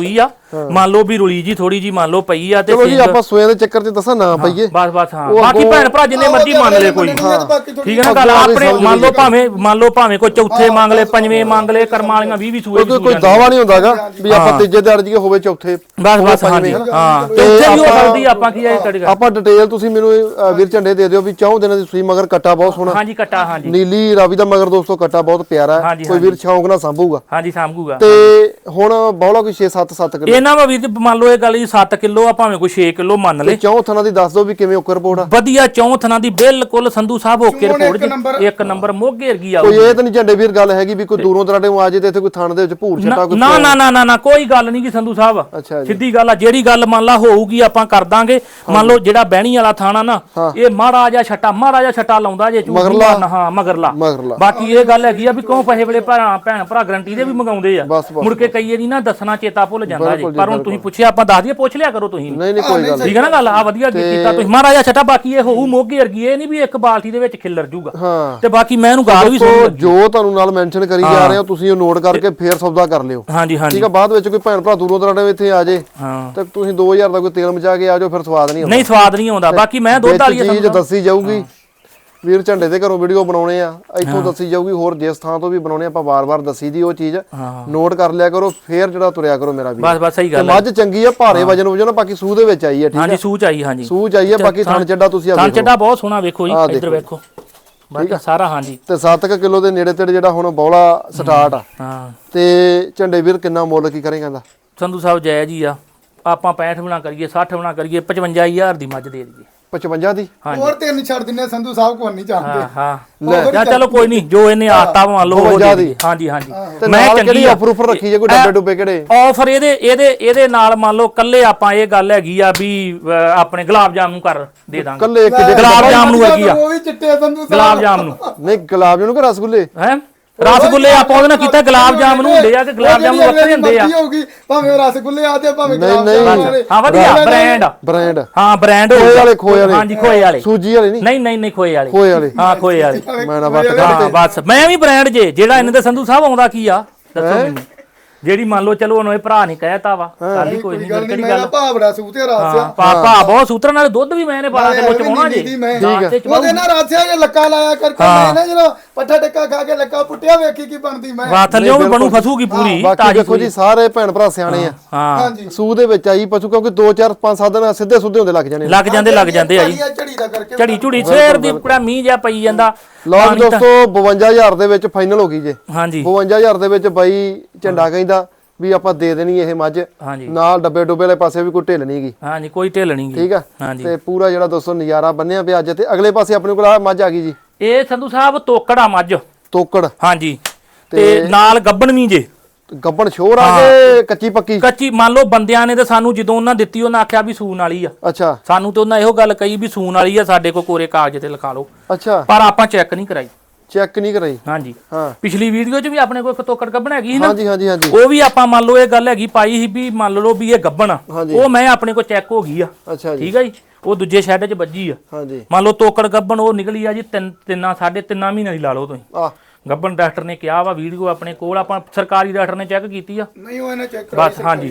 Speaker 2: ਮੰਨ ਲਓ ਵੀ ਰੁਲੀ ਜੀ ਥੋੜੀ ਜੀ ਮੰਨ ਲਓ ਪਈ ਆ ਤੇ
Speaker 1: ਚਲੋ ਜੀ ਆਪਾਂ ਸੋਏ ਦੇ ਚੱਕਰ 'ਚ ਦੱਸਾਂ ਨਾ ਪਈਏ
Speaker 2: ਬਸ ਬਸ ਹਾਂ ਬਾਕੀ ਭੈਣ ਭਰਾ ਜਿੰਨੇ ਮਰਜ਼ੀ ਮੰਨ ਲੈ ਕੋਈ ਠੀਕ ਹੈ ਨਾ ਗੱਲ ਆਪਣੇ ਮੰਨ ਲਓ ਭਾਵੇਂ ਮੰਨ ਲਓ ਭਾਵੇਂ ਕੋਈ ਚੌਥੇ ਮੰਗ ਲੈ ਪੰਜਵੇਂ ਮੰਗ ਲੈ ਕਰਮ ਵਾਲੀਆਂ ਵੀਹ ਵੀਹ ਸੂਏ
Speaker 1: ਕੋਈ ਕੋਈ ਦਾਵਾ ਨਹੀਂ ਹੁੰਦਾਗਾ ਵੀ ਆਪਾਂ ਤੀਜੇ ਦਿਹਾੜੇ ਜੀ ਹੋਵੇ ਚੌਥੇ
Speaker 2: ਬਸ ਬਸ ਹਾਂਜੀ ਹਾਂ ਤੇ ਉੱਥੇ ਵੀ ਹੋ ਸਕਦੀ ਆਪਾਂ ਕੀ ਇਹ ਕੜੇਗਾ
Speaker 1: ਆਪਾਂ ਡਿਟੇਲ ਤੁਸੀਂ ਮੈਨੂੰ ਵੀਰ ਝੰਡੇ ਦੇ ਦਿਓ ਵੀ ਚੌਂ ਦਿਨਾਂ ਦੀ ਸੂਈ ਮਗਰ ਕੱਟਾ ਬਹੁਤ ਸੋਹਣਾ
Speaker 2: ਹਾਂਜੀ ਕੱਟਾ ਹਾਂਜੀ
Speaker 1: ਨੀਲੀ ਰਾਵੀ ਦਾ ਮਗਰ ਦੋਸਤੋ ਕੱਟਾ ਬਹੁਤ ਪਿਆਰਾ ਹੈ ਕੋਈ ਵੀਰ ਸ਼ੌਂਕ ਨਾਲ ਸੰਭੂਗਾ
Speaker 2: ਹਾਂਜੀ ਸਾਂਭੂਗਾ
Speaker 1: ਤੇ ਹੁਣ ਬੌਲਾ ਕੋਈ ਛੇ ਸੱਤ ਸੱਤ ਕਿਲੋ
Speaker 2: ਇਹਨਾਂ ਵਾ ਵੀਰ ਮੰਨ ਲਓ ਇਹ ਗੱਲ ਜੀ ਸੱਤ ਕਿਲੋ ਆ ਭਾਵੇਂ ਕੋਈ ਛੇ ਕਿਲੋ ਮੰਨ ਲੈ
Speaker 1: ਚੌਂ ਥਣਾ ਦੀ ਦੱਸ ਦਿਓ ਵੀ ਕਿਵੇਂ ਓਕਰ ਰਿਪੋਰਟ ਆ
Speaker 2: ਵਧੀਆ ਚੌਂ ਥਣਾ ਦੀ ਬਿਲਕੁਲ ਸੰਧੂ ਸਾਹਿਬ ਓਕੇ ਰਿਪੋਰਟ ਇੱਕ ਨੰਬਰ ਮੋਗੇ ਵਰਗੀ ਆ
Speaker 1: ਕੋਈ ਇਹ ਤਾਂ ਨਹੀਂ ਝੰਡੇ ਵੀਰ ਗੱਲ ਹੈਗੀ ਵੀ ਕੋਈ ਦੂਰੋਂ ਦਰਾਡੇ ਨੂੰ ਆ ਜੇ ਤੇ ਇੱਥੇ ਕੋਈ ਥਣ ਦੇ ਵਿੱਚ ਭੂਰ ਛੱਟਾ ਕੋਈ
Speaker 2: ਨਾ ਨਾ ਨਾ ਨਾ ਨਾ ਕੋਈ ਗੱਲ ਨਹੀਂ ਕਿ ਸੰਧੂ ਸਾਹਿਬ
Speaker 1: ਅੱਛਾ ਜੀ
Speaker 2: ਸਿੱਧੀ ਗੱਲ ਆ ਜਿਹੜੀ ਗੱਲ ਮੰਨ ਲਾ ਹੋਊਗੀ ਆਪਾਂ ਕਰ ਦਾਂਗੇ ਮੰਨ ਲਓ ਜਿਹੜਾ ਬਹਿਣੀ ਵਾਲਾ ਥਾਣਾ ਨਾ ਇਹ ਮਾੜਾ ਜਿਹਾ ਛੱਟਾ ਮਾੜਾ ਜਿਹਾ ਛੱਟਾ ਲਾਉਂਦਾ ਜੇ ਝੂਠ ਨਹੀਂ ਮਾਰਨਾ ਹਾਂ ਮਗਰਲਾ
Speaker 1: ਮਗਰਲਾ
Speaker 2: ਬਾਕੀ ਇਹ ਗੱਲ ਹੈਗੀ ਆ ਵੀ ਕਿਉਂ ਪੈਸੇ ਵੇਲੇ ਭਰਾ ਭੈਣ ਭਰਾ ਗਰੰਟੀ ਦੇ ਵੀ ਮੰਗਾਉਂਦੇ ਆ ਮੁੜ ਕੇ ਕਈ ਨਹੀਂ ਨਾ ਦੱਸਣਾ ਚੇਤਾ ਭੁੱਲ ਜਾਂਦਾ ਜੀ ਪਰ ਹੁਣ ਤੁਸੀਂ ਪੁੱਛਿਆ ਆਪਾਂ ਦੱਸ ਦਈਏ ਪੁੱਛ ਲਿਆ ਕਰੋ ਤੁਸੀਂ
Speaker 1: ਨਹੀਂ ਨਹੀਂ ਕੋਈ ਗੱਲ
Speaker 2: ਠੀਕ ਹੈ ਨਾ ਗੱਲ ਆ ਵਧੀਆ ਕੀਤਾ ਤੁਸੀਂ ਮਾੜਾ ਜਿਹਾ ਛੱਟਾ ਬਾਕੀ ਇਹ ਹੋਊ ਮੋਗੇ ਵਰਗੀ ਇਹ ਨਹੀਂ ਵੀ ਇੱਕ ਬਾਲਟੀ ਦੇ ਵਿੱਚ ਖਿੱਲਰ ਜੂਗਾ ਤੇ ਬਾਕੀ ਮੈਂ ਇਹਨੂੰ ਗਾਲ ਵੀ ਸੁਣ
Speaker 1: ਜੋ ਤੁਹਾਨੂੰ ਨਾਲ ਮੈਂਸ਼ਨ ਕਰੀ ਜਾ ਰਹੇ ਹੋ ਤੁਸੀਂ ਉਹ ਨੋਟ ਕਰਕੇ ਫੇਰ ਸੌਦਾ ਕਰ ਲਿਓ
Speaker 2: ਹਾਂਜੀ ਹਾਂਜੀ
Speaker 1: ਠੀਕ ਆ ਬਾਅਦ ਵਿੱਚ ਕੋਈ ਭੈਣ ਭਰਾ ਦੂਰੋਂ ਦਰਾਡੇ ਇੱਥੇ ਆ ਜੇ
Speaker 2: ਹਾਂ
Speaker 1: ਤੇ ਤੁਸੀਂ ਦੋ ਹਜ਼ਾਰ ਦਾ ਕੋਈ ਤੇਲ ਮਚਾ ਕੇ ਆ ਜਾਓ ਫਿਰ ਸਵਾਦ ਨਹੀਂ ਆਉਂਦਾ
Speaker 2: ਨਹੀਂ ਸਵਾਦ ਨਹੀਂ ਆਉਂਦਾ ਬਾਕੀ ਮੈਂ ਦੁੱਧ ਵਾਲੀ
Speaker 1: ਚੀਜ਼ ਦੱਸੀ ਜਾਊਗੀ ਵੀਰ ਝੰਡੇ ਦੇ ਘਰੋਂ ਵੀਡੀਓ ਬਣਾਉਣੇ ਆ ਇੱਥੋਂ ਦੱਸੀ ਜਾਊਗੀ ਹੋਰ ਜਿਸ ਥਾਂ ਤੋਂ ਵੀ ਬਣਾਉਣੇ ਆਪਾਂ ਵਾਰ-ਵਾਰ ਦੱਸੀ ਦੀ ਉਹ ਚੀਜ਼ ਨੋਟ ਕਰ ਲਿਆ ਕਰੋ ਫੇਰ ਜਿਹੜਾ ਤੁਰਿਆ ਕਰੋ ਮੇਰਾ ਵੀਰ
Speaker 2: ਬਸ ਬਸ ਸਹੀ ਗੱਲ
Speaker 1: ਹੈ ਮੱਝ ਚੰਗੀ ਆ ਭਾਰੇ ਵਜਨ ਵਜਨ ਬਾਕੀ ਸੂਹ ਦੇ ਵਿੱਚ ਆਈ ਹੈ ਠੀਕ ਹੈ
Speaker 2: ਹਾਂਜੀ ਸੂਹ ਚ ਆਈ ਹਾਂਜੀ
Speaker 1: ਸੂਹ ਚ ਆਈ ਹੈ ਬਾਕੀ ਥਣ ਚੱਡਾ ਤੁਸੀਂ ਆ
Speaker 2: ਥਣ ਚੱਡਾ ਬਹੁਤ ਸੋਹਣਾ ਵੇਖੋ ਜੀ ਇੱਧਰ ਵੇਖੋ ਬਾਕੀ ਸਾਰਾ ਹਾਂਜੀ
Speaker 1: ਤੇ ਸੱਤ ਕਿਲੋ ਦੇ ਨੇੜੇ ਤੇੜੇ ਜਿਹੜਾ ਹੁਣ ਬੌਲਾ ਸਟਾਰਟ ਆ
Speaker 2: ਹਾਂ
Speaker 1: ਤੇ ਝੰਡੇ ਵੀਰ ਕਿੰਨਾ ਮੁੱਲ ਕੀ ਕਰੇਗਾ ਇਹਦਾ
Speaker 2: ਸੰਧੂ ਸਾਹਿਬ ਜਾਇਜ਼ ਹੀ ਆ ਆਪਾਂ ਪੈਂਹਠ ਬਣਾ ਕਰੀਏ ਸੱਠ ਬਣਾ ਕਰੀਏ ਪਚਵੰਜਾ ਹਜ਼ਾਰ ਦੀ ਮੱਝ ਦੇ ਦਈਏ
Speaker 1: ਪਚਵੰਜਾ ਦੀ
Speaker 3: ਹੋਰ ਤਿੰਨ ਛੱਡ ਦਿੰਨੇ ਸੰਧੂ ਸਾਹਿਬ ਕੋਈ ਨਹੀਂ ਚਾਹਦੇ
Speaker 2: ਹਾਂ ਹਾਂ ਜਾਂ ਚਲੋ ਕੋਈ ਨਹੀਂ ਜੋ ਇਹਨੇ ਆਤਾ ਮੰਨ ਲਓ ਉਹ ਦੇ ਹਾਂਜੀ ਹਾਂਜੀ
Speaker 1: ਮੈਂ ਕਿਹੜੀ ਆਫਰ ਉਫਰ ਰੱਖੀ ਜੇ ਕੋਈ ਡੱਬੇ ਡੁੱਬੇ ਕਿਹੜੇ
Speaker 2: ਆਫਰ ਇਹਦੇ ਇਹਦੇ ਇਹਦੇ ਨਾਲ ਮੰਨ ਲਓ ਕੱਲੇ ਆਪਾਂ ਇਹ ਗੱਲ ਹੈਗੀ ਆ ਵੀ ਆਪਣੇ ਗੁਲਾਬ ਜਾਮਨ ਕਰ ਦੇ ਦਾਂਗੇ
Speaker 1: ਕੱਲੇ ਇੱਕ
Speaker 2: ਗੁਲਾਬ ਜਾਮਨ ਨੂੰ ਹੈਗੀ ਆ
Speaker 3: ਉਹ ਵੀ ਚਿੱਟੇ ਸੰਧੂ ਸਾਹਿਬ
Speaker 2: ਗੁਲਾਬ ਜਾਮਨ ਨੂੰ
Speaker 1: ਨਹੀਂ ਗੁਲਾਬ ਜਾਮਨ ਕਿ ਰਸਗੁੱਲੇ
Speaker 2: ਹੈ ਰਸਗੁੱਲੇ ਆਪਾਂ ਉਹਦੇ ਨਾਲ ਕੀਤਾ ਗੁਲਾਬ ਜਾਮਨ ਨੂੰ ਹੁੰਦੇ ਆ ਕਿ ਗੁਲਾਬ ਜਾਮਨ ਵੱਖਰੇ ਹੁੰਦੇ ਆ
Speaker 3: ਹੋਊਗੀ ਭਾਵੇਂ ਰਸਗੁੱਲੇ ਆ ਤੇ ਭਾਵੇਂ
Speaker 1: ਨਹੀਂ
Speaker 3: ਗੁਲਾਬ
Speaker 1: ਨਹੀਂ
Speaker 3: ਜਾਮਨ
Speaker 2: ਹਾਂ ਵਧੀਆ ਬ੍ਰਾਂਡ
Speaker 1: ਬ੍ਰਾਂਡ
Speaker 2: ਹਾਂ ਬ੍ਰਾਂਡ
Speaker 1: ਖੋਏ ਵਾਲੇ ਖੋਏ ਵਾਲੇ
Speaker 2: ਹਾਂਜੀ ਖੋਏ ਵਾਲੇ
Speaker 1: ਸੂਜੀ ਵਾਲੇ ਨਹੀਂ
Speaker 2: ਨਹੀਂ ਨਹੀਂ ਨਹੀਂ ਖੋਏ ਵਾਲੇ
Speaker 1: ਖੋਏ ਵਾਲੇ
Speaker 2: ਹਾਂ ਖੋਏ ਵਾਲੇ
Speaker 1: ਮੈਂ ਨਾ ਵੱਟ
Speaker 2: ਹਾਂ ਬਸ ਮੈਂ ਵੀ ਬ੍ਰਾਂਡ ਜੇ ਜਿਹੜਾ ਇਹਨਾਂ ਦੇ ਸੰਧੂ ਸਾਹਿਬ ਆਉਂਦਾ ਕੀ ਆ ਦੱਸੋ ਮੈਨੂੰ ਜਿਹੜੀ ਮੰਨ ਲਓ ਚਲੋ ਉਹਨੂੰ ਇਹ ਭਰਾ ਨਹੀਂ ਕਹਿਤਾ ਵਾ ਸਾਡੀ ਕੋਈ ਨਹੀਂ
Speaker 3: ਗੱਲ ਨਹੀਂ ਮੇਰਾ ਭਾਵੜਾ ਸੂਤੇ ਰਾਸਿਆ
Speaker 2: ਪਾਪਾ ਬਹੁਤ ਸੂਤਰ ਨਾਲ ਦੁੱਧ ਵੀ ਮੈਂ ਇਹਨੇ ਪਾਲਾ ਤੇ ਮੁੱਚ ਪਾਉਣਾ ਜੀ
Speaker 3: ਠੀਕ ਉਹਦੇ ਨਾਲ ਰਾਸਿਆ ਜੇ ਲੱਕਾ ਲਾਇਆ ਕਰਕੇ ਮੈਂ ਨਾ ਜਦੋਂ ਪੱਠਾ ਟੱਕਾ ਖਾ ਕੇ ਲੱਕਾ ਪੁੱਟਿਆ ਵੇਖੀ ਕੀ ਬਣਦੀ ਮੈਂ
Speaker 2: ਵਾ ਥੱਲਿਓ ਵੀ ਬਣੂ ਫਸੂਗੀ ਪੂਰੀ
Speaker 1: ਬਾਕੀ ਦੇਖੋ ਜੀ ਸਾਰੇ ਭੈਣ ਭਰਾ ਸਿਆਣੇ ਆ
Speaker 2: ਹਾਂ
Speaker 1: ਸੂਹ ਦੇ ਵਿੱਚ ਆਈ ਪਸ਼ੂ ਕਿਉਂਕਿ ਦੋ ਚਾਰ ਪੰਜ ਸੱਤ ਦਿਨ ਸਿੱਧੇ ਸੁੱਧੇ ਹੁੰਦੇ ਲੱਗ ਜਾਣੇ
Speaker 2: ਲੱਗ ਜਾਂਦੇ ਲੱਗ ਜਾਂਦੇ ਆ ਜੀ
Speaker 3: ਝੜੀ ਦਾ ਕਰਕੇ
Speaker 2: ਝੜੀ ਝੁੜੀ ਸਵੇਰ ਦੀ ਕੁੜਾ ਮੀਂਹ ਜਿਹਾ ਪਈ ਜਾਂਦਾ
Speaker 1: ਲਓ ਜੀ ਦੋਸਤੋ ਬਵੰਜਾ ਹਜ਼ਾਰ ਦੇ ਵਿੱਚ ਫਾਈਨਲ ਹੋ ਗਈ ਜੇ
Speaker 2: ਹਾਂਜੀ
Speaker 1: ਬਵੰਜਾ ਹਜ਼ਾਰ ਦੇ ਵਿੱਚ ਬਾਈ ਝੰਡਾ ਕਹਿੰਦਾ ਵੀ ਆਪਾਂ ਦੇ ਦੇਣੀ ਇਹ ਮੱਝ
Speaker 2: ਹਾਂਜੀ
Speaker 1: ਨਾਲ ਡੱਬੇ ਡੁੱਬੇ ਵਾਲੇ ਪਾਸੇ ਵੀ ਕੋਈ ਢਿੱਲ ਨਹੀਂ ਗਈ
Speaker 2: ਹਾਂਜੀ ਕੋਈ ਢਿੱਲ ਨਹੀਂ ਗਈ
Speaker 1: ਠੀਕ ਆ
Speaker 2: ਹਾਂਜੀ
Speaker 1: ਤੇ ਪੂਰਾ ਜਿਹੜਾ ਦੋਸਤੋ ਨਜ਼ਾਰਾ ਬੰਨਿਆ ਪਿਆ ਅੱਜ ਤੇ ਅਗਲੇ ਪਾਸੇ ਆਪਣੇ ਕੋਲ ਆ ਮੱਝ ਆ ਗਈ ਜੀ
Speaker 2: ਇਹ ਸੰਧੂ ਸਾਹਿਬ ਤੋਕੜਾ ਮੱਝ
Speaker 1: ਤੋਕੜ
Speaker 2: ਹਾਂਜੀ ਤੇ ਨਾਲ ਗੱਬਣ ਵੀ ਜੇ
Speaker 1: ਗੱਬਣ ਛੋਰ ਆ ਕੇ ਕੱਚੀ ਪੱਕੀ
Speaker 2: ਕੱਚੀ ਮੰਨ ਲਓ ਬੰਦਿਆਂ ਨੇ ਤੇ ਸਾਨੂੰ ਜਦੋਂ ਉਹਨਾਂ ਦਿੱਤੀ ਉਹਨਾਂ ਆਖਿਆ ਵੀ ਸੂਨ ਵਾਲੀ ਆ
Speaker 1: ਅੱਛਾ
Speaker 2: ਸਾਨੂੰ ਤੇ ਉਹਨਾਂ ਇਹੋ ਗੱਲ ਕਹੀ ਵੀ ਸੂਨ ਵਾਲੀ ਆ ਸਾਡੇ ਕੋਲ ਕੋਰੇ ਕਾਗਜ਼ ਤੇ ਲਿਖਾ ਲਓ
Speaker 1: ਅੱਛਾ
Speaker 2: ਪਰ ਆਪਾਂ ਚੈੱਕ ਨਹੀਂ ਕਰਾਈ
Speaker 1: ਚੈੱਕ ਨਹੀਂ ਕਰਾਈ
Speaker 2: ਹਾਂਜੀ
Speaker 1: ਹਾਂ
Speaker 2: ਪਿਛਲੀ ਵੀਡੀਓ 'ਚ ਵੀ ਆਪਣੇ ਕੋਲ ਤੋਕੜ ਗੱਬਣ ਹੈਗੀ ਸੀ ਨਾ
Speaker 1: ਹਾਂਜੀ ਹਾਂਜੀ ਹਾਂਜੀ
Speaker 2: ਉਹ ਵੀ ਆਪਾਂ ਮੰਨ ਲਓ ਇਹ ਗੱਲ ਹੈਗੀ ਪਾਈ ਸੀ ਵੀ ਮੰਨ ਲਓ ਵੀ ਇਹ ਗੱਬਣ ਆ ਉਹ ਮੈਂ ਆਪਣੇ ਕੋਲ ਚੈੱਕ ਹੋ ਗਈ ਆ
Speaker 1: ਅੱਛਾ ਜੀ
Speaker 2: ਠੀਕ ਆ ਜੀ ਉਹ ਦੂਜੇ ਸ਼ੈੱਡ 'ਚ ਵੱਜੀ ਆ
Speaker 1: ਹਾਂਜੀ
Speaker 2: ਮੰਨ ਲਓ ਤੋਕੜ ਗੱਬਣ ਉਹ ਨਿਕਲੀ ਆ ਜੀ ਤਿੰਨ ਤਿੰਨਾਂ ਸਾਢੇ ਤਿੰਨਾਂ ਮਹੀਨੇ ਦੀ ਲਾ ਲਓ ਤੁਸੀਂ
Speaker 1: ਆ
Speaker 2: ਗੱਬਣ ਡਾਕਟਰ ਨੇ ਕਿਹਾ ਵਾ ਵੀਡੀਓ ਆਪਣੇ ਕੋਲ ਆਪਾਂ ਸਰਕਾਰੀ ਡਾਕਟਰ ਨੇ ਚੈੱਕ ਕੀਤੀ ਆ
Speaker 3: ਨਹੀਂ ਉਹ ਇਹਨੇ ਚੈੱਕ
Speaker 2: ਬਸ ਹਾਂਜੀ